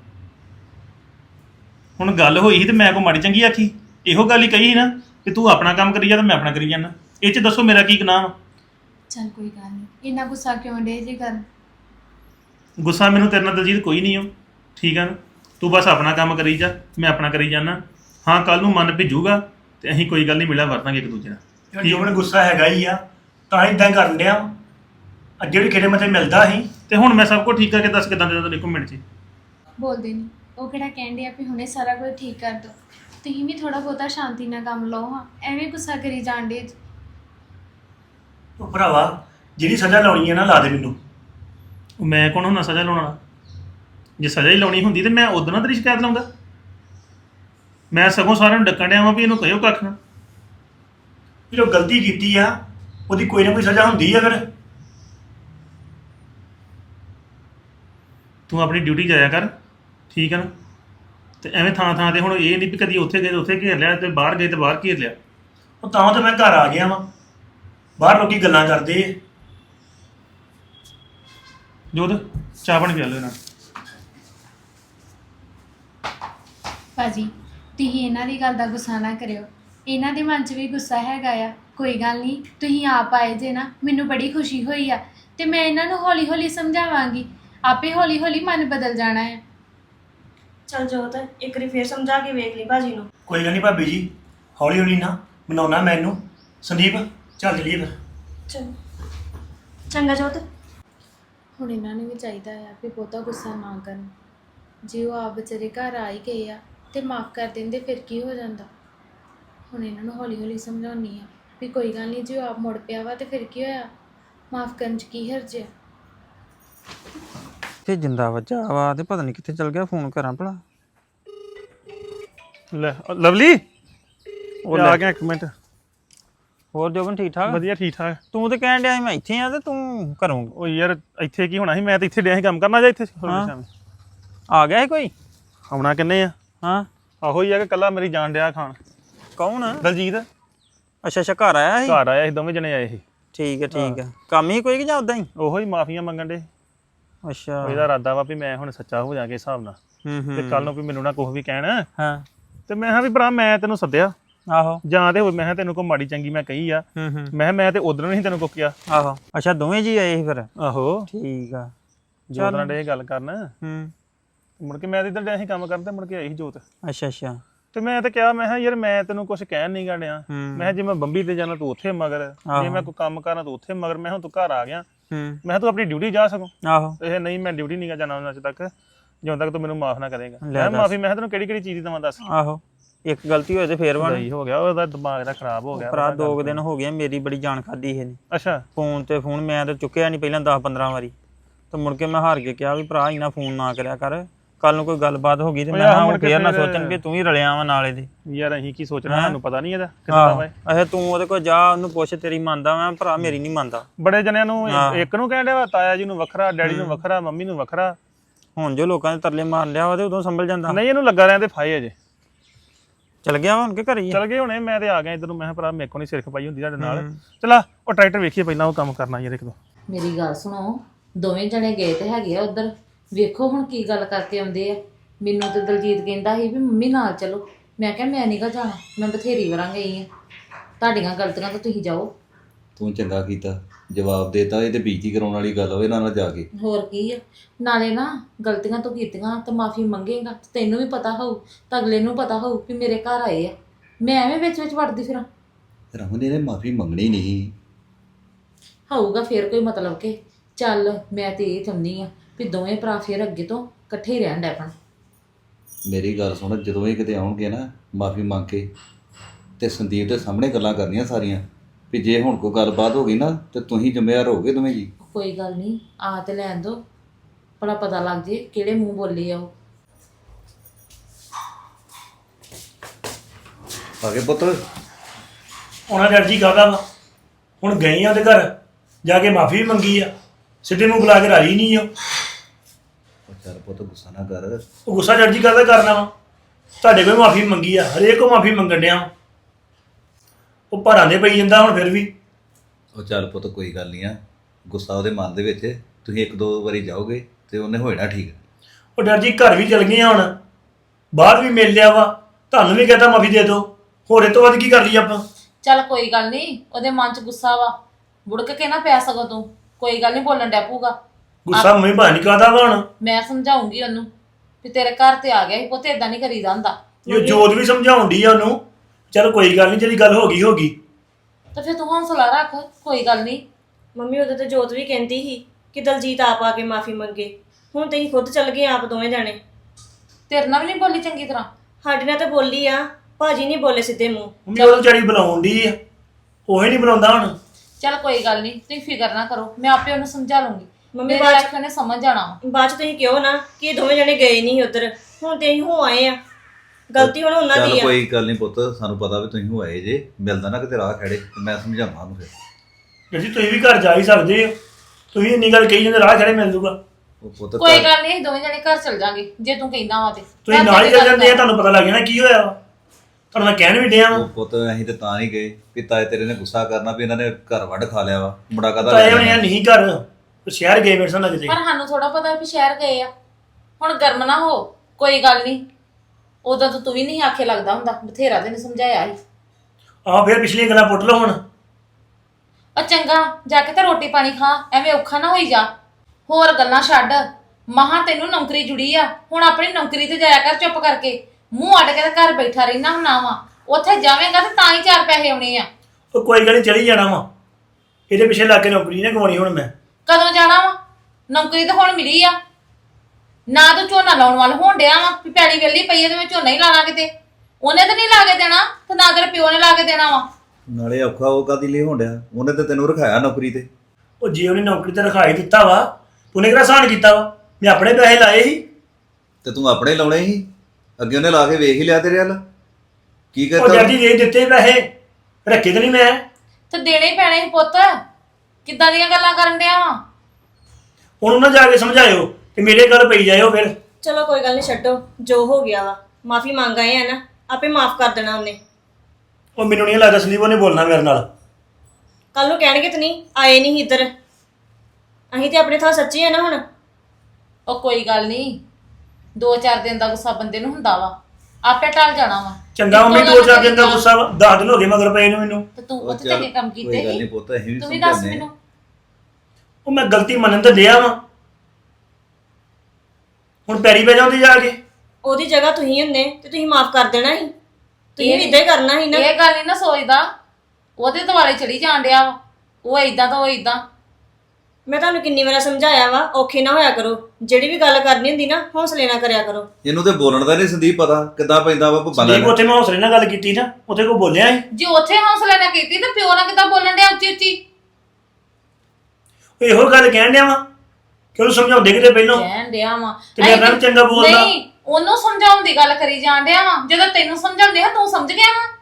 S5: ਹੁਣ ਗੱਲ ਹੋਈ ਸੀ ਤੇ ਮੈਂ ਕੋ ਮਾੜੀ ਚੰਗੀ ਆਖੀ? ਇਹੋ ਗੱਲ ਹੀ ਕਹੀ ਸੀ ਨਾ ਕਿ ਤੂੰ ਆਪਣਾ ਕੰਮ ਕਰੀ ਜਾ ਤੇ ਮੈਂ ਆਪਣਾ ਕਰੀ ਜਾਣਾ। ਇਹ 'ਚ ਦੱਸੋ ਮੇਰਾ ਕੀ ਗੁਨਾਹ ਵਾ?
S4: ਚੱਲ ਕੋਈ ਗੱਲ ਨਹੀਂ, ਇੰਨਾ ਗੁੱਸਾ ਕਿਉਂ ਡੇ ਜੇ ਕਰਨ?
S5: ਗੁੱਸਾ ਮੈਨੂੰ ਤੇਰੇ ਨਾਲ ਦਲਜੀਤ ਕੋਈ ਨਹੀਂ ਹੋ, ਠੀਕ ਆ ਨਾ? ਤੂੰ ਬਸ ਆਪਣਾ ਕੰਮ ਕਰੀ ਜਾ, ਮੈਂ ਆਪਣਾ ਕਰੀ ਜਾਣਾ। ਹਾਂ, ਕੱਲ ਨੂੰ ਮਨ ਭਿੱਜੂਗਾ ਤੇ ਅਸੀਂ ਕੋਈ ਗੱਲ ਨਹੀਂ ਮਿਲਿਆ ਵਰਤਾਂਗੇ ਇੱਕ ਦੂਜੇ ਨਾਲ।
S3: ਜੋਬਨ ਗੁੱਸਾ ਹੈਗਾ ਹੀ ਆ, ਤਾਂ ਇਦਾਂ ਕਰਨ ਡਿਆ। ਅੱਜ ਜਿਹੜੀ ਖੇੜੇ ਮੱਥੇ ਮਿਲਦਾ ਸੀ,
S5: ਤੇ ਹੁਣ ਮੈਂ ਸਭ ਕੁਝ ਠੀਕ ਕਰਕੇ ਦੱਸ ਕਿਦਾਂ ਦੇ ਤੈਨੂੰ 1 ਮਿੰਟ 'ਚ।
S4: ਬੋਲਦੇ ਨਹੀਂ, ਉਹ ਕਿਹੜਾ ਕਹਿੰਦੇ ਆ ਵੀ ਹੁਣੇ ਸਾਰਾ ਕੁਝ ਠੀਕ ਕਰ ਦੋ। ਤੁਸੀਂ ਵੀ ਥੋੜਾ ਬਹੁਤਾ ਸ਼ਾਂਤੀ ਨਾਲ ਕੰਮ ਲਓ ਹਾਂ, ਐਵੇਂ ਗੁੱਸਾ ਕਰੀ ਜਾਂਦੇ।
S3: ਉਹ ਭਰਾਵਾ ਜਿਹੜੀ ਸਜ਼ਾ ਲਾਉਣੀ ਹੈ ਨਾ ਲਾ ਦੇ ਮੈਨੂੰ।
S5: ਉਹ ਮੈਂ ਕੌਣ ਹੁੰਦਾ ਸਜ਼ਾ ਲਾਉਣ ਵਾਲਾ? ਜੇ ਸਜ਼ਾ ਹੀ ਲਾਉਣੀ ਹੁੰਦੀ ਤੇ ਮੈਂ ਉਦੋਂ ਨਾ ਤੇਰੀ ਸ਼ਿਕਾਇਤ ਲਾਉਂਦਾ। ਮੈਂ ਸਗੋਂ ਸਾਰਿਆਂ ਨੂੰ ਡੱਕਣ ਡਿਆ ਵਾਂ ਵੀ ਇਹਨੂੰ ਕਹਿਓ ਕੱਖ ਨਾ।
S3: ਜਦੋਂ ਗਲਤੀ ਕੀਤੀ ਆ ਉਹਦੀ ਕੋਈ ਨਾ ਕੋਈ ਸਜ਼ਾ ਹੁੰਦੀ ਆ ਫਿਰ।
S5: ਤੂੰ ਆਪਣੀ ਡਿਊਟੀ ਜਾਇਆ ਕਰ, ਠੀਕ ਹੈ ਨਾ? ਤੇ ਐਵੇਂ ਥਾਂ ਤੇ ਹੁਣ ਇਹ ਨਹੀਂ ਵੀ ਕਦੀ ਉੱਥੇ ਗਏ ਤੇ ਉੱਥੇ ਘੇਰ ਲਿਆ ਤੇ ਬਾਹਰ ਗਏ ਤੇ ਬਾਹਰ ਘੇਰ ਲਿਆ।
S3: ਉਹ ਤਾਂ ਮੈਂ ਘਰ ਆ ਗਿਆ ਵਾਂ, ਬਾਹਰ ਲੋਕੀ ਗੱਲਾਂ ਕਰਦੇ ਆ।
S5: ਜੋਤ ਚਾਹ ਪਾਣੀ ਪਿਆ ਲਓ ਇਹਨਾਂ ਨੂੰ।
S4: ਭਾਜੀ ਤੁਸੀਂ ਇਹਨਾਂ ਦੀ ਗੱਲ ਦਾ ਗੁੱਸਾ ਨਾ ਕਰਿਓ, ਇਹਨਾਂ ਦੇ ਮਨ 'ਚ ਵੀ ਗੁੱਸਾ ਹੈਗਾ ਆ। ਕੋਈ ਗੱਲ ਨਹੀਂ, ਤੁਸੀਂ ਆਪ ਆਏ ਜੇ ਨਾ, ਮੈਨੂੰ ਬੜੀ ਖੁਸ਼ੀ ਹੋਈ ਆ। ਤੇ ਮੈਂ ਇਹਨਾਂ ਨੂੰ ਹੌਲੀ ਹੌਲੀ ਸਮਝਾਵਾਂਗੀ, ਆਪੇ ਹੌਲੀ ਹੌਲੀ ਮਨ ਬਦਲ ਜਾਣਾ ਹੈ।
S2: ਚਲ ਜੋਤ, ਇੱਕ ਵਾਰੀ ਫੇਰ ਸਮਝਾ ਕੇ ਵੇਖ ਲਈ ਭਾਜੀ ਨੂੰ।
S3: ਕੋਈ ਗੱਲ ਨਹੀਂ ਭਾਬੀ ਜੀ, ਹੌਲੀ ਹੌਲੀ ਨਾ ਮਨਾਉਣਾ ਮੈਨੂੰ। ਸੰਦੀਪ ਚੱਲ ਚਲੀਏ ਫਿਰ।
S2: ਚਲ ਚੰਗਾ ਜੋਤ।
S4: ਹੁਣ ਇਹਨਾਂ ਨੂੰ ਵੀ ਚਾਹੀਦਾ ਆ ਵੀ ਬਹੁਤਾ ਗੁੱਸਾ ਨਾ ਕਰਨ। ਜੇ ਉਹ ਆਪ ਵਿਚਾਰੇ ਘਰ ਆ ਹੀ ਗਏ ਆ ਤੇ ਮਾਫ ਕਰ ਦਿੰਦੇ ਫਿਰ ਕੀ ਹੋ ਜਾਂਦਾ। ਹੁਣ ਇਹਨਾਂ ਨੂੰ ਹੌਲੀ ਹੌਲੀ ਸਮਝਾਉਣੀ ਆ ਵੀ ਕੋਈ ਗੱਲ ਨਹੀਂ, ਜੇ ਉਹ ਆਪ ਮੁੜ ਪਿਆ ਵਾ ਤੇ ਫਿਰ ਕੀ ਹੋਇਆ, ਮਾਫ ਕਰਨ 'ਚ ਕੀ ਹਰਜ ਆ।
S6: ਤੇ ਜਿੰਦਾ ਵੱਜਾ ਵਾ ਤੇ ਪਤਾ ਨਹੀਂ ਕਿੱਥੇ ਚਲ ਗਿਆ। ਫੋਨ ਕਰਾਂ ਭਲਾ।
S5: ਲੈ ਲਵਲੀ, ਉਹ ਆ ਗਿਆ 1 ਮਿੰਟ।
S6: ਹੋਰ ਜੋਬਨ ਠੀਕ ਠਾਕ?
S5: ਵਧੀਆ ਠੀਕ ਠਾਕ।
S6: ਤੂੰ ਤੇ ਕਹਿਣ ਡਿਆ ਸੀ ਮੈਂ ਇੱਥੇ ਆ ਤੇ ਤੂੰ ਘਰੋਂ
S5: ਉਹ ਯਾਰ ਇੱਥੇ ਕੀ ਹੋਣਾ ਸੀ, ਮੈਂ ਤਾਂ ਇੱਥੇ ਡਿਆ ਸੀ ਕੰਮ ਕਰਨਾ। ਜਾਂ ਇੱਥੇ
S6: ਆ ਗਿਆ ਸੀ ਕੋਈ?
S5: ਆਉਣਾ ਕਿੰਨੇ ਆ?
S6: ਹਾਂ
S5: ਆਹੋ ਹੀ ਆ ਕਿ ਕੱਲਾ ਮੇਰੀ ਜਾਨ ਡਿਆ ਖਾਣ।
S6: ਕੌਣ?
S5: ਦਲਜੀਤ
S6: ਅੱਛਾ ਅੱਛਾ, ਘਰ ਆਇਆ ਸੀ?
S5: ਘਰ ਆਇਆ ਸੀ, ਦੋਵੇਂ ਜਣੇ ਆਏ ਸੀ।
S6: ਠੀਕ ਹੈ। ਕੰਮ ਹੀ ਕੋਈ ਕਿ ਜਾਂ ਉਦਾਂ ਹੀ?
S5: ਉਹੋ ਹੀ ਮਾਫੀਆਂ ਮੰਗਣ ਦੇ।
S6: ਅੱਛਾ।
S5: ਇਹਦਾ ਇਰਾਦਾ ਵਾ ਵੀ ਮੈਂ ਹੁਣ ਸੱਚਾ ਹੋ ਜਾਗੇ ਹਿਸਾਬ ਨਾਲ, ਤੇ ਕੱਲ ਨੂੰ ਵੀ ਮੈਨੂੰ ਨਾ ਕੁਝ ਵੀ ਕਹਿਣ।
S6: ਹਾਂ।
S5: ਤੇ ਮੈਂ ਕਿਹਾ ਵੀ ਭਰਾ ਮੈਂ ਤੈਨੂੰ ਸੱਦਿਆ,
S6: ਆਹੋ।
S5: ਜਾਂ ਤੇ ਮੈਂ ਕਿਹਾ ਤੈਨੂੰ ਕੋਈ ਮਾੜੀ ਚੰਗੀ ਮੈਂ ਕਹੀ ਆ। ਮੈਂ ਤੇ ਉਧਰੋਂ ਨਹੀਂ ਤੈਨੂੰ ਕੁੱਕਿਆ।
S6: ਆਹੋ। ਅੱਛਾ, ਦੋਵੇਂ ਜੀ ਆਏ ਸੀ ਫਿਰ?
S5: ਆਹੋ।
S6: ਠੀਕ ਆ।
S5: ਜੋਤ ਨਾਲ ਡੇ ਗੱਲ ਕਰਨ। ਮੁੜ ਕੇ ਮੈਂ ਤਾਂ ਇੱਧਰ ਡਿਆ ਸੀ ਕੰਮ ਕਰਨ, ਤੇ ਮੁੜ ਕੇ ਆਈ ਸੀ ਜੋਤ।
S6: ਅੱਛਾ।
S5: ਤੇ ਮੈਂ ਤਾਂ ਕਿਹਾ, ਮੈਂ ਕਿਹਾ ਯਾਰ ਮੈਂ ਤੈਨੂੰ ਕੁਝ ਕਹਿਣ ਨਹੀਂ ਗਾ ਡਿਆ। ਮੈਂ ਕਿਹਾ ਜੇ ਮੈਂ ਬੰਬੀ ਤੇ ਜਾਣਾ ਤੂੰ ਉੱਥੇ ਮਗਰ, ਜੇ ਮੈਂ ਕੋਈ ਕੰਮ ਕਰਨਾ ਤੂੰ ਉੱਥੇ ਮਗਰ। ਮੈਂ ਹੁਣ ਤੂੰ ਘਰ ਆ ਗਿਆ, ਮੈਂ ਕਿਹਾ ਤੂੰ ਆਪਣੀ ਡਿਊਟੀ ਜਾ ਸਕੋ।
S6: ਆਹੋ।
S5: ਇਹ ਨਹੀਂ, ਮੈਂ ਡਿਊਟੀ ਨਹੀਂ ਗਾ ਜਾਣਾ ਉਹਨਾਂ ਤੱਕ ਜਦੋਂ ਤੱਕ ਤੂੰ ਮੈਨੂੰ ਮਾਫ ਨਾ ਕਰੇਗਾ। ਮੈਂ ਮਾਫੀ, ਮੈਂ ਤੈਨੂੰ ਕਿਹੜੀ ਚੀਜ਼ ਦੀ ਦਵਾਂ ਦੱਸ।
S6: ਆਹੋ, ਇੱਕ ਗਲਤੀ ਹੋਏ ਤੇ ਫੇਰ ਬਣ
S5: ਹੋ ਗਿਆ, ਉਹਦਾ ਦਿਮਾਗ ਦਾ ਖਰਾਬ ਹੋ ਗਿਆ।
S6: ਭਰਾ 2 ਦਿਨ ਹੋ ਗਏ ਮੇਰੀ ਬੜੀ ਜਾਨ ਖਾਦੀ ਇਹਨੇ।
S5: ਅੱਛਾ।
S6: ਫੋਨ ਤੇ ਫੋਨ ਮੈਂ ਤਾਂ ਚੁੱਕਿਆ ਨਹੀਂ ਪਹਿਲਾਂ 10-15 ਵਾਰੀ, ਤੇ ਮੁੜ ਕੇ ਮੈਂ ਹਾਰ ਕੇ ਕਿਹਾ ਵੀ ਭਰਾ ਇੰਨਾ ਫੋਨ ਨਾ ਕਰਿਆ ਕਰ, ਕੱਲ ਨੂੰ ਕੋਈ ਗੱਲਬਾਤ ਹੋ ਗਈ ਤੇ ਮੈਂ ਹੁਣ ਫੇਰ ਨਾ ਸੋਚਣ ਵੀ ਤੂੰ ਹੀ ਰਲਿਆ ਵਾ ਨਾਲ ਇਹਦੇ।
S5: ਯਾਰ ਅਸੀਂ ਕੀ ਸੋਚਣਾ, ਸਾਨੂੰ ਪਤਾ ਨਹੀਂ ਇਹਦਾ ਕਿੱਦਾਂ ਵਾ।
S6: ਅੱਛਾ, ਤੂੰ ਉਹਦੇ ਕੋਲ ਜਾ, ਉਹਨੂੰ ਪੁੱਛ ਤੇਰੀ ਮੰਨਦਾ ਮੈਂ, ਭਰਾ ਮੇਰੀ ਨਹੀਂ ਮੰਨਦਾ।
S5: ਬੜੇ ਜਣਿਆਂ ਨੂੰ ਇੱਕ ਨੂੰ ਕਹਿਣ ਡਿਆ, ਤਾਇਆ ਜੀ ਨੂੰ ਵੱਖਰਾ, ਡੈਡੀ ਨੂੰ ਵੱਖਰਾ, ਮੰਮੀ ਨੂੰ ਵੱਖਰਾ।
S6: ਹੁਣ ਜੋ ਲੋਕਾਂ ਦੇ ਤਰਲੇ ਮਾਰ ਲਿਆ ਵਾ ਤੇ ਉਦੋਂ ਸੰਭਲ ਜਾਂਦਾ।
S5: ਨਹੀਂ, ਇਹਨੂੰ ਲੱਗਾ ਰਹਿੰਦੇ ਫਾਇ ਅਜੇ।
S6: ਚਲ ਗਿਆ ਵਾ ਹੁਣ ਕਿ ਘਰੇ ਹੀ?
S5: ਚਲ ਗਏ ਹੁਣੇ, ਮੈਂ ਤੇ ਆ ਗਿਆ ਇੱਧਰ ਨੂੰ। ਮੈਂ ਕਿਹਾ ਭਰਾ ਮੇਰੇ ਕੋਲ ਨਹੀਂ ਸਿਰ ਖਪਾਈ ਹੁੰਦੀ ਤੁਹਾਡੇ ਨਾਲ। ਚਲਾ ਉਹ ਟਰੈਕਟਰ ਵੇਖੀਏ ਪਹਿਲਾਂ, ਉਹ ਕੰਮ ਕਰਨਾ ਯਾਰ ਇੱਕ ਦੋ।
S1: ਮੇਰੀ ਗੱਲ ਸੁਣੋ, ਦੋਵੇਂ ਜਣੇ ਗਏ ਤੇ ਹੈਗੇ ਆ ਉੱਧਰ, ਵੇਖੋ ਹੁਣ ਕੀ ਗੱਲ ਕਰਕੇ ਆਉਂਦੇ ਆ। ਮੈਨੂੰ ਤੇ ਦਲਜੀਤ ਕਹਿੰਦਾ ਸੀ ਵੀ ਮੰਮੀ ਨਾਲ ਚਲੋ। ਮੈਂ ਕਿਹਾ ਮੈਂ ਨਹੀਂ ਗਾ ਜਾਣਾ, ਮੈਂ ਬਥੇਰੀ ਵਾਰਾਂ ਗਈ ਆ, ਤੁਹਾਡੀਆਂ ਗਲਤੀਆਂ ਤੋਂ ਤੁਸੀਂ ਜਾਓ।
S7: ਤੂੰ ਚੰਗਾ ਕੀਤਾ, ਜਵਾਬ ਦੇਤਾ। ਇਹ ਤੇ ਬੇਇੱਜ਼ਤੀ ਕਰਾਉਣ ਵਾਲੀ ਗੱਲ ਹੋਵੇ ਇਹਨਾਂ ਨਾਲ ਜਾ ਕੇ।
S1: ਹੋਰ ਕੀ ਆ, ਨਾਲੇ ਨਾ ਗਲਤੀਆਂ ਤੋਂ ਕੀਤੀਆਂ ਤਾਂ ਮਾਫੀ ਮੰਗੇਗਾ, ਤੈਨੂੰ ਵੀ ਪਤਾ ਹੋਊ ਤਾਂ ਅਗਲੇ ਨੂੰ ਪਤਾ ਹੋਊ ਕਿ ਮੇਰੇ ਘਰ ਆਏ ਆ। ਮੈਂ ਐਵੇਂ ਵਿੱਚ ਵਿੱਚ ਵੜਦੀ ਫਿਰਾਂ?
S7: ਰਮਨ ਇਹਨੇ ਮਾਫੀ ਮੰਗਣੀ ਨਹੀਂ।
S1: ਹੋਊਗਾ ਫਿਰ ਕੋਈ ਮਤਲਬ ਕਿ ਚੱਲ ਮੈਂ ਤੇ ਇਹ ਚਾਹੁੰਦੀ ਆ ਵੀ ਦੋਵੇਂ ਭਰਾ ਫਿਰ ਅੱਗੇ ਤੋਂ ਇਕੱਠੇ ਹੀ ਰਹਿਣ ਡੈ ਪਣ।
S7: ਮੇਰੀ ਗੱਲ ਸੁਣ, ਜਦੋਂ ਇਹ ਕਿਤੇ ਆਉਣਗੇ ਨਾ ਮਾਫੀ ਮੰਗ ਕੇ, ਤੇ ਸੰਦੀਪ ਦੇ ਸਾਹਮਣੇ ਗੱਲਾਂ ਕਰਨੀਆਂ ਸਾਰੀਆਂ ਵੀ ਜੇ ਹੁਣ ਕੋਈ ਗੱਲਬਾਤ ਹੋ ਗਈ ਨਾ ਤੇ ਤੁਸੀਂ ਜ਼ਿੰਮੇਵਾਰ ਹੋਗੇ ਦੋਵੇਂ ਜੀ।
S1: ਕੋਈ ਗੱਲ ਨਹੀਂ, ਆ ਤੇ ਲੈਣ ਦੋ, ਭਲਾ ਪਤਾ ਲੱਗ ਜੇ ਕਿਹੜੇ ਮੂੰਹ ਬੋਲੇ ਆ ਉਹ।
S7: ਆ ਗਏ ਪੁੱਤ?
S3: ਉਹਨਾਂ ਡਰ ਜੀ ਕਾਹਦਾ ਵਾ, ਹੁਣ ਗਏ ਆ ਉਹਦੇ ਘਰ ਜਾ ਕੇ ਮਾਫੀ ਵੀ ਮੰਗੀ ਆ, ਸਿੱਧੇ ਮੂੰਹ ਬੁਲਾ ਕੇ ਰਾਜੀ ਨਹੀਂ ਉਹ।
S7: ਉਹ ਚੱਲ ਪੁੱਤ ਗੁੱਸਾ ਨਾ ਕਰ।
S3: ਉਹ ਗੁੱਸਾ ਡਰ ਜੀ ਕਾਹਦਾ ਕਰਨਾ ਵਾ, ਤੁਹਾਡੇ ਕੋਲ ਮਾਫੀ ਮੰਗੀ ਆ, ਹਰੇਕ ਕੋ ਮਾਫੀ ਮੰਗਣ ਡਿਆ ਵਾਂ। ਉਹ ਭਾਰਾਂ ਦੇ ਪਈ ਜਾਂਦਾ ਹੁਣ ਫਿਰ ਵੀ।
S7: ਉਹ ਚੱਲ ਪੁੱਤ ਕੋਈ ਗੱਲ ਨਹੀਂ ਆ, ਗੁੱਸਾ ਉਹਦੇ ਮਨ ਦੇ ਵਿੱਚ, ਤੁਸੀਂ ਇੱਕ ਦੋ ਵਾਰੀ ਜਾਓਗੇ ਤੇ ਉਹਨੇ ਹੋ ਜਾਣਾ ਠੀਕ।
S3: ਉਹ ਡਰ ਜੀ ਘਰ ਵੀ ਚਲ ਗਏ ਆ ਹੁਣ, ਬਾਹਰ ਵੀ ਮਿਲ ਲਿਆ ਵਾ, ਤੁਹਾਨੂੰ ਵੀ ਕਹਤਾ ਮਾਫੀ ਦੇ ਦਿਓ, ਹੋਰ ਇਹ ਤੋਂ ਵੱਧ ਕੀ ਕਰ ਲਈ ਆਪਾਂ।
S1: ਚੱਲ ਕੋਈ ਗੱਲ ਨਹੀਂ, ਉਹਦੇ ਮਨ 'ਚ ਗੁੱਸਾ ਵਾ, ਬੁੜਕ ਕੇ ਨਾ ਪੈ ਸਕੋ ਤੂੰ, ਕੋਈ ਗੱਲ ਨਹੀਂ, ਬੋਲਣ ਡੈ ਪਊਗਾ।
S3: ਗੁੱਸਾ ਮੈਂ ਭਾਣੀ ਕਾਹਦਾ ਵਾ ਹੁਣ,
S1: ਮੈਂ ਸਮਝਾਉਂਗੀ ਉਹਨੂੰ ਵੀ ਤੇਰੇ ਘਰ ਤੇ ਆ ਗਿਆ ਸੀ ਪੁੱਤ, ਏਦਾਂ ਨਹੀਂ ਕਰੀਦਾ ਹੁੰਦਾ।
S3: ਇਹ ਜੋਤ ਵੀ ਸਮਝਾਉਣ ਡਈ ਆ ਉਹਨੂੰ। ਚਲ ਕੋਈ ਗੱਲ ਨਹੀਂ, ਜਿਹੜੀ ਗੱਲ ਹੋ ਗਈ
S1: ਤਾਂ ਫਿਰ ਤੂੰ ਹੌਸਲਾ ਰੱਖ, ਕੋਈ ਗੱਲ ਨਹੀਂ।
S2: ਮੰਮੀ ਉਦੋਂ ਤਾਂ ਜੋਤ ਵੀ ਕਹਿੰਦੀ ਸੀ ਕਿ ਦਲਜੀਤ ਆਪ ਆ ਕੇ ਮਾਫੀ ਮੰਗੇ, ਹੁਣ ਤੁਸੀਂ ਖੁਦ ਚੱਲ ਗਏ ਆਪ ਦੋਵੇਂ ਜਾਣੇ।
S1: ਤੇਰੇ ਨਾਲ ਵੀ ਨਹੀਂ ਬੋਲੀ ਚੰਗੀ ਤਰ੍ਹਾਂ?
S2: ਸਾਡੇ ਨਾਲ ਤਾਂ ਬੋਲੀ ਆ, ਭਾਜੀ ਨਹੀਂ ਬੋਲੇ ਸਿੱਧੇ ਮੂੰਹ।
S3: ਮੰਮੀ ਉਹ ਵਿਚਾਰੀ ਬੁਲਾਉਣ ਡਈ ਆ, ਉਹ ਹੀ ਨਹੀਂ ਬੁਲਾਉਂਦਾ ਹੁਣ।
S1: ਚੱਲ ਕੋਈ ਗੱਲ ਨਹੀਂ, ਤੁਸੀਂ ਫਿਕਰ ਨਾ ਕਰੋ, ਮੈਂ ਆਪੇ ਉਹਨੂੰ ਸਮਝਾ ਲੂੰਗੀ।
S2: ਮੰਮੀ
S1: ਮੇਰੇ ਆਖੇ ਨੇ ਸਮਝ ਜਾਣਾ ਵਾ।
S2: ਬਾਅਦ ਚ ਤੁਸੀਂ ਕਿਉਂ ਨਾ ਕਿ ਇਹ ਦੋਵੇਂ ਜਣੇ ਗਏ ਨਹੀਂ ਉਧਰ, ਹੁਣ ਤੇ ਅਸੀਂ ਹੋ ਆਏ ਆ, ਗਲਤੀ ਹੁਣ ਉਹਨਾਂ
S7: ਚੱਲ
S2: ਦੀ ਆ।
S7: ਕੋਈ ਗੱਲ ਨਹੀਂ ਪੁੱਤ, ਸਾਨੂੰ ਪਤਾ ਵੀ ਤੁਸੀਂ ਹੋਏ ਜੇ, ਮਿਲਦਾ ਨਾ ਕਿਤੇ ਰਾਹ ਖੜੇ ਤੇ ਮੈਂ ਸਮਝਾਵਾਂ ਉਹਨੂੰ ਫਿਰ।
S3: ਜੀ ਤੁਸੀਂ ਵੀ ਘਰ ਜਾ ਹੀ ਸਕਦੇ ਹੋ, ਤੁਸੀਂ ਇੰਨੀ ਗੱਲ ਕਹੀ ਜਾਂਦੇ ਰਾਹ ਖੜੇ ਮਿਲ ਜੂਗਾ।
S7: ਉਹ ਪੁੱਤ
S1: ਕੋਈ ਗੱਲ ਨਹੀਂ, ਅਸੀਂ ਦੋਵੇਂ ਜਣੇ ਘਰ ਚਲ ਜਾਾਂਗੇ ਜੇ ਤੂੰ ਕਹਿੰਦਾ ਵਾ ਤੇ।
S3: ਤੁਸੀਂ ਨਾਲ ਹੀ ਚੱਲ ਜਾਂਦੇ ਆ, ਤੁਹਾਨੂੰ ਪਤਾ ਲੱਗ ਜਾਣਾ ਕੀ ਹੋਇਆ ਵਾ। ਤੁਹਾਨੂੰ ਮੈਂ ਕਹਿਣ ਵੀ ਡਿਆ ਵਾ,
S7: ਉਹ ਪੁੱਤ ਅਸੀਂ ਤੇ ਤਾਂ ਨਹੀਂ ਗਏ ਵੀ ਤਾਏ ਤੇਰੇ ਨੇ ਗੁੱਸਾ ਕਰਨਾ ਵੀ ਇਹਨਾਂ ਨੇ ਘਰ ਵੱਢ ਖਾ ਲਿਆ ਵਾ, ਮੁੰਡਾ ਕਾਹਦਾ
S3: ਤਾਏ
S7: ਲੈ
S3: ਹੋਣੇ ਆ
S7: ਜਾਣਾ।
S3: ਨਹੀਂ ਘਰ, ਉਹ ਸ਼ਹਿਰ ਗਏ ਮੇਰੇ ਸਾਹਮਣੇ ਕਿਤੇ।
S1: ਪਰ ਸਾਨੂੰ ਥੋੜਾ ਪਤਾ ਵੀ ਸ਼ਹਿਰ ਗਏ ਆ, ਹੁਣ ਗਰਮ ਨਾ ਹੋ, ਕੋਈ ਗੱਲ ਨਹੀਂ। ਉਦੋਂ ਤਾਂ ਤੂੰ ਵੀ ਨਹੀਂ ਆਖੇ ਲੱਗਦਾ ਹੁੰਦਾ, ਬਥੇਰਾ ਤੈਨੂੰ ਸਮਝਾਇਆ ਸੀ।
S3: ਆਹ ਫਿਰ ਪਿਛਲੀਆਂ ਗੱਲਾਂ ਪੁੱਟ ਲਓ ਹੁਣ।
S1: ਉਹ ਚੰਗਾ ਜਾ ਕੇ ਤੇ ਰੋਟੀ ਪਾਣੀ ਖਾ, ਐਵੇਂ ਔਖਾ ਨਾ ਹੋਈ ਜਾ। ਹੋਰ ਗੱਲਾਂ ਛੱਡ, ਮਹਾ ਤੈਨੂੰ ਨੌਕਰੀ ਜੁੜੀ ਆ, ਹੁਣ ਆਪਣੀ ਨੌਕਰੀ ਤੇ ਜਾਇਆ ਕਰ ਚੁੱਪ ਕਰਕੇ। ਮੂੰਹ ਅੱਡ ਕੇ ਤੇ ਘਰ ਬੈਠਾ ਰਹਿਣਾ ਹੁਣਾ ਵਾ, ਉੱਥੇ ਜਾਵੇਂਗਾ ਤੇ ਤਾਂ ਹੀ 4 ਪੈਸੇ ਆਉਣੇ ਆ।
S3: ਉਹ ਕੋਈ ਗੱਲ ਨਹੀਂ, ਚਲੀ ਜਾਣਾ ਵਾ, ਇਹਦੇ ਪਿੱਛੇ ਲੱਗ ਕੇ ਨੌਕਰੀ ਨਹੀਂ ਗਵਾਉਣੀ ਹੁਣ ਮੈਂ।
S1: ਕਦੋਂ ਜਾਣਾ ਵਾ? ਨੌਕਰੀ ਤਾਂ ਹੁਣ ਮਿਲੀ ਆ, ਨਾ ਤੂੰ ਝੋਨਾ ਲਾਉਣ ਵਾਲ ਹੋਣ ਡਿਆ ਵਾ ਵੀ ਪੈੜੀ ਵਿਹਲੀ ਪਈ ਐ ਤੇ ਮੈਂ ਝੋਨਾ ਹੀ ਲਾਣਾ ਕਿਤੇ। ਉਹਨੇ ਤਾਂ ਨਹੀਂ ਲਾ ਕੇ ਦੇਣਾ ਤੇ ਨਾ ਤੇਰੇ ਪਿਓ ਨੇ ਲਾ ਕੇ ਦੇਣਾ ਵਾ।
S7: ਨਾਲੇ ਔਖਾ ਉਹ ਕਾਦੀ ਲਈ ਹੋਣ ਡਿਆ, ਉਹਨੇ ਤੇ ਤੈਨੂੰ ਰਖਾਇਆ ਨੌਕਰੀ ਤੇ।
S3: ਉਹ ਜੇ ਉਹਨੇ ਨੌਕਰੀ ਤੇ ਰਖਾਈ ਦਿੱਤਾ ਵਾ, ਉਹਨੇ ਕਿਹੜਾ ਸਾਨ ਕੀਤਾ ਵਾ, ਮੈਂ ਆਪਣੇ ਪੈਸੇ ਲਾਏ ਸੀ।
S7: ਤੇ ਤੂੰ ਆਪਣੇ ਲਾਉਣੇ ਸੀ, ਅੱਗੇ ਉਹਨੇ ਲਾ ਕੇ ਵੇਖ ਹੀ ਲਿਆ ਤੇਰੇ ਵੱਲ, ਕੀ
S3: ਉਹ
S7: ਕਰਤਾ।
S3: ਜੱਜੀ ਦੇ ਦਿੱਤੇ ਪੈਸੇ, ਰੱਖੇ ਤਾਂ ਨਹੀਂ ਮੈਂ।
S1: ਤੇ ਦੇਣੇ ਹੀ ਪੈਣੇ ਸੀ ਪੁੱਤ, ਕਿੱਦਾਂ ਦੀਆਂ ਗੱਲਾਂ ਕਰਨ ਡਿਆ ਵਾ।
S3: ਹੁਣ ਉਹਨਾਂ ਜਾ ਕੇ ਸਮਝਾਇਓ ਤੇ ਮੇਰੇ ਗੱਲ ਪਈ ਜਾਇਓ ਫਿਰ।
S2: ਚਲੋ ਕੋਈ ਗੱਲ ਨਹੀਂ, ਛੱਡੋ ਜੋ ਹੋ ਗਿਆ ਵਾ, ਮਾਫੀ ਮੰਗ ਆਏ ਆ ਨਾ, ਆਪੇ ਮਾਫ ਕਰ ਦੇਣਾ ਉਹਨੇ।
S3: ਉਹ ਮੈਨੂੰ ਨਹੀਂ ਲੱਗਦਾ ਸੰਦੀਪ ਉਹਨੇ ਬੋਲਣਾ ਮੇਰੇ ਨਾਲ।
S2: ਕੱਲ ਨੂੰ ਕਹਿਣਗੇ ਤੇ ਨਹੀਂ ਆਏ ਨਹੀਂ ਇੱਧਰ, ਅਸੀਂ ਤੇ ਆਪਣੇ ਥਾਂ ਸੱਚੇ ਆ ਨਾ ਹੁਣ।
S1: ਉਹ ਕੋਈ ਗੱਲ ਨਹੀਂ, 2-4 ਦਿਨ ਦਾ ਗੁੱਸਾ ਬੰਦੇ ਨੂੰ ਹੁੰਦਾ ਵਾ, ਆਪੇ ਟਲ ਜਾਣਾ ਵਾ।
S3: ਚੰਗਾ ਮੰਮੀ, 2-4 ਦਿਨ ਦਾ ਗੁੱਸਾ ਵਾ, 10 ਦਿਨ ਹੋ ਗਏ ਮਗਰ ਪਏ ਨੂੰ ਮੈਨੂੰ।
S1: ਤੇ ਤੂੰ
S7: ਉਹ
S1: ਉੱਥੇ
S7: ਚੱਲ
S1: ਚੰਗੇ ਕੰਮ
S7: ਕੋਈ
S1: ਕੀਤੇ
S7: ਗੱਲ
S1: ਸੀ,
S7: ਨਹੀਂ ਪੁੱਤ, ਅਸੀਂ ਵੀ
S1: ਤੂੰ ਵੀ ਦੱਸ
S7: ਸਮਝਾਉਂਦੇ
S1: ਮੈਨੂੰ।
S3: ਉਹ ਮੈਂ ਗਲਤੀ ਮੰਨਣ ਤੇ ਡਿਆ ਵਾ, ਹੁਣ ਪੈਰੀ ਪੈ ਜਾਂਦੇ ਜਾ ਕੇ।
S2: ਉਹਦੀ ਜਗ੍ਹਾ ਤੁਸੀਂ ਹੁੰਦੇ ਤੇ ਤੁਸੀਂ ਮਾਫ ਕਰ ਦੇਣਾ ਸੀ, ਤੁਸੀਂ ਵੀ ਇਦਾਂ ਹੀ ਕਰਨਾ ਸੀ ਨਾ।
S1: ਇਹ ਗੱਲ ਨਹੀਂ ਨਾ ਸੋਚਦਾ, ਉਹਦੇ ਦੁਆਲੇ ਚੜੀ ਜਾਣ ਡਿਆ ਵਾ, ਉਹ ਏਦਾਂ ਤਾਂ ਉਹ ਏਦਾਂ।
S2: ਮੈਂ ਤੁਹਾਨੂੰ ਕਿੰਨੀ ਵਾਰ ਸਮਝਾਇਆ ਵਾ, ਔਖੇ ਨਾ ਹੋਇਆ ਕਰੋ, ਜਿਹੜੀ ਵੀ ਗੱਲ ਕਰਨੀ ਹੁੰਦੀ ਨਾ ਹੌਸਲੇ ਨਾਲ ਕਰਿਆ ਕਰੋ।
S7: ਇਹਨੂੰ ਤੇ ਬੋਲਣ ਦਾ ਨਹੀਂ ਸੰਦੀਪ ਪਤਾ ਕਿੱਦਾਂ ਪੈਂਦਾ ਵਾ ਭੁੱਬਾ
S3: ਸੰਦੀਪ
S7: ਲੈਣ।
S3: ਉੱਥੇ ਮੈਂ ਹੌਸਲੇ ਨਾਲ ਗੱਲ ਕੀਤੀ ਨਾ, ਉੱਥੇ ਕੋਈ ਬੋਲਿਆ ਸੀ?
S1: ਜੇ ਉੱਥੇ ਹੌਸਲਾ ਨਾ ਕੀਤੀ ਤੇ ਪਿਓ ਨਾਲ ਕਿੱਦਾਂ ਬੋਲਣ ਡਿਆ ਉੱਚੀ ਉੱਚੀ?
S3: ਉਹ ਇਹੋ ਗੱਲ ਕਹਿਣ ਡਿਆ ਵਾ ਕਿ ਉਹਨੂੰ ਸਮਝਾਉਂਦੇ ਕਿਤੇ ਪਹਿਲਾਂ
S1: ਕਹਿਣ ਡਿਆ ਵਾ
S3: ਤੇ ਮੇਰੇ ਨਾਲ ਚੰਗਾ ਬੋਲਦਾ।
S1: ਨਹੀਂ, ਉਹਨੂੰ ਸਮਝਾਉਣ ਦੀ ਗੱਲ ਕਰੀ ਜਾਣ ਡਿਆ ਵਾ, ਜਦੋਂ ਤੈਨੂੰ ਸਮਝਾਉਂਦੇ ਆ ਤੂੰ ਸਮਝ ਗਿਆ ਵਾ।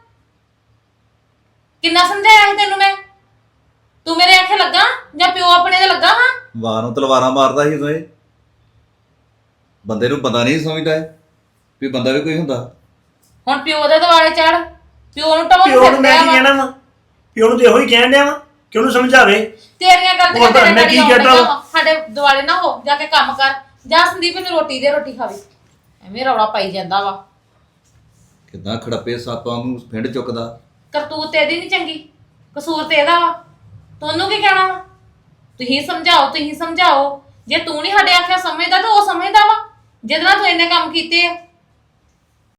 S1: ਕਿੰਨਾ ਸਮਝਾਇਆ ਸੀ ਤੈਨੂੰ ਮੈਂ? ਤੂੰ ਮੇਰੇ ਆਖੇ ਲੱਗਾ ਜਾਂ ਪਿਓ ਆਪਣੇ ਦੇ ਲੱਗਾ ਹਾਂ?
S7: ਵਾਹ ਨੂੰ ਤਲਵਾਰਾਂ ਮਾਰਦਾ ਸੀ ਉਦੋਂ ਇਹ, ਬੰਦੇ ਨੂੰ ਪਤਾ ਨਹੀਂ ਸਮਝਦਾ ਇਹ ਵੀ ਬੰਦਾ ਵੀ ਕੋਈ ਹੁੰਦਾ।
S1: ਹੁਣ ਪਿਓ ਦੇ ਦੁਆਲੇ ਚੜ, ਪਿਓ ਨੂੰ ਟਾਉਣ
S3: ਪਿਓ ਨੂੰ ਮੈਂ
S1: ਫਿਰਦਾ
S3: ਕੀ
S1: ਵਾ।
S3: ਕਹਿਣਾ ਵਾ, ਪਿਓ ਨੂੰ ਤੇ ਇਹੋ ਹੀ ਕਹਿਣ ਡਿਆ ਵਾ ਕਿ ਉਹਨੂੰ ਸਮਝਾਵੇ।
S1: ਤੇਰੀਆਂ ਗਲਤੀਆਂ
S3: ਹੋਰ
S1: ਤੇਰੇ
S3: ਮੈਂ
S1: ਨਾਲ
S3: ਕੀ
S1: ਹੀ
S3: ਕਹਿਤਾ
S1: ਆਉਂਦੀਆਂ
S3: ਵਾ?
S1: ਵਾ। ਸਾਡੇ ਦੁਆਲੇ ਨਾ ਹੋ, ਜਾ ਕੇ ਕੰਮ ਕਰ, ਜਾ ਸੰਦੀਪ ਨੂੰ ਰੋਟੀ ਦੇ, ਰੋਟੀ ਖਾਵੇ। ਐਵੇਂ ਰੌਲਾ ਪਾਈ ਜਾਂਦਾ ਵਾ।
S7: ਕਿੱਦਾਂ ਖੜੱਪੇ ਸਾਪਾਂ ਨੂੰ ਪਿੰਡ ਚੁੱਕਦਾ।
S1: ਕਰਤੂਤ ਤੇ ਇਹਦੀ ਨਹੀਂ ਚੰਗੀ, ਕਸੂਰ ਤੇ ਇਹਦਾ ਵਾ। ਤੁਹਾਨੂੰ ਕੀ ਕਹਿਣਾ ਵਾ? ਤੁਸੀਂ ਸਮਝਾਓ ਜੇ ਤੂੰ ਨਹੀਂ ਸਾਡੇ ਆਖਿਆ ਸਮਝਦਾ ਤਾਂ ਉਹ ਸਮਝਦਾ ਵਾ ਜਿਹਦੇ ਨਾਲ ਤੂੰ ਇੰਨੇ ਕੰਮ ਕੀਤੇ ਆ।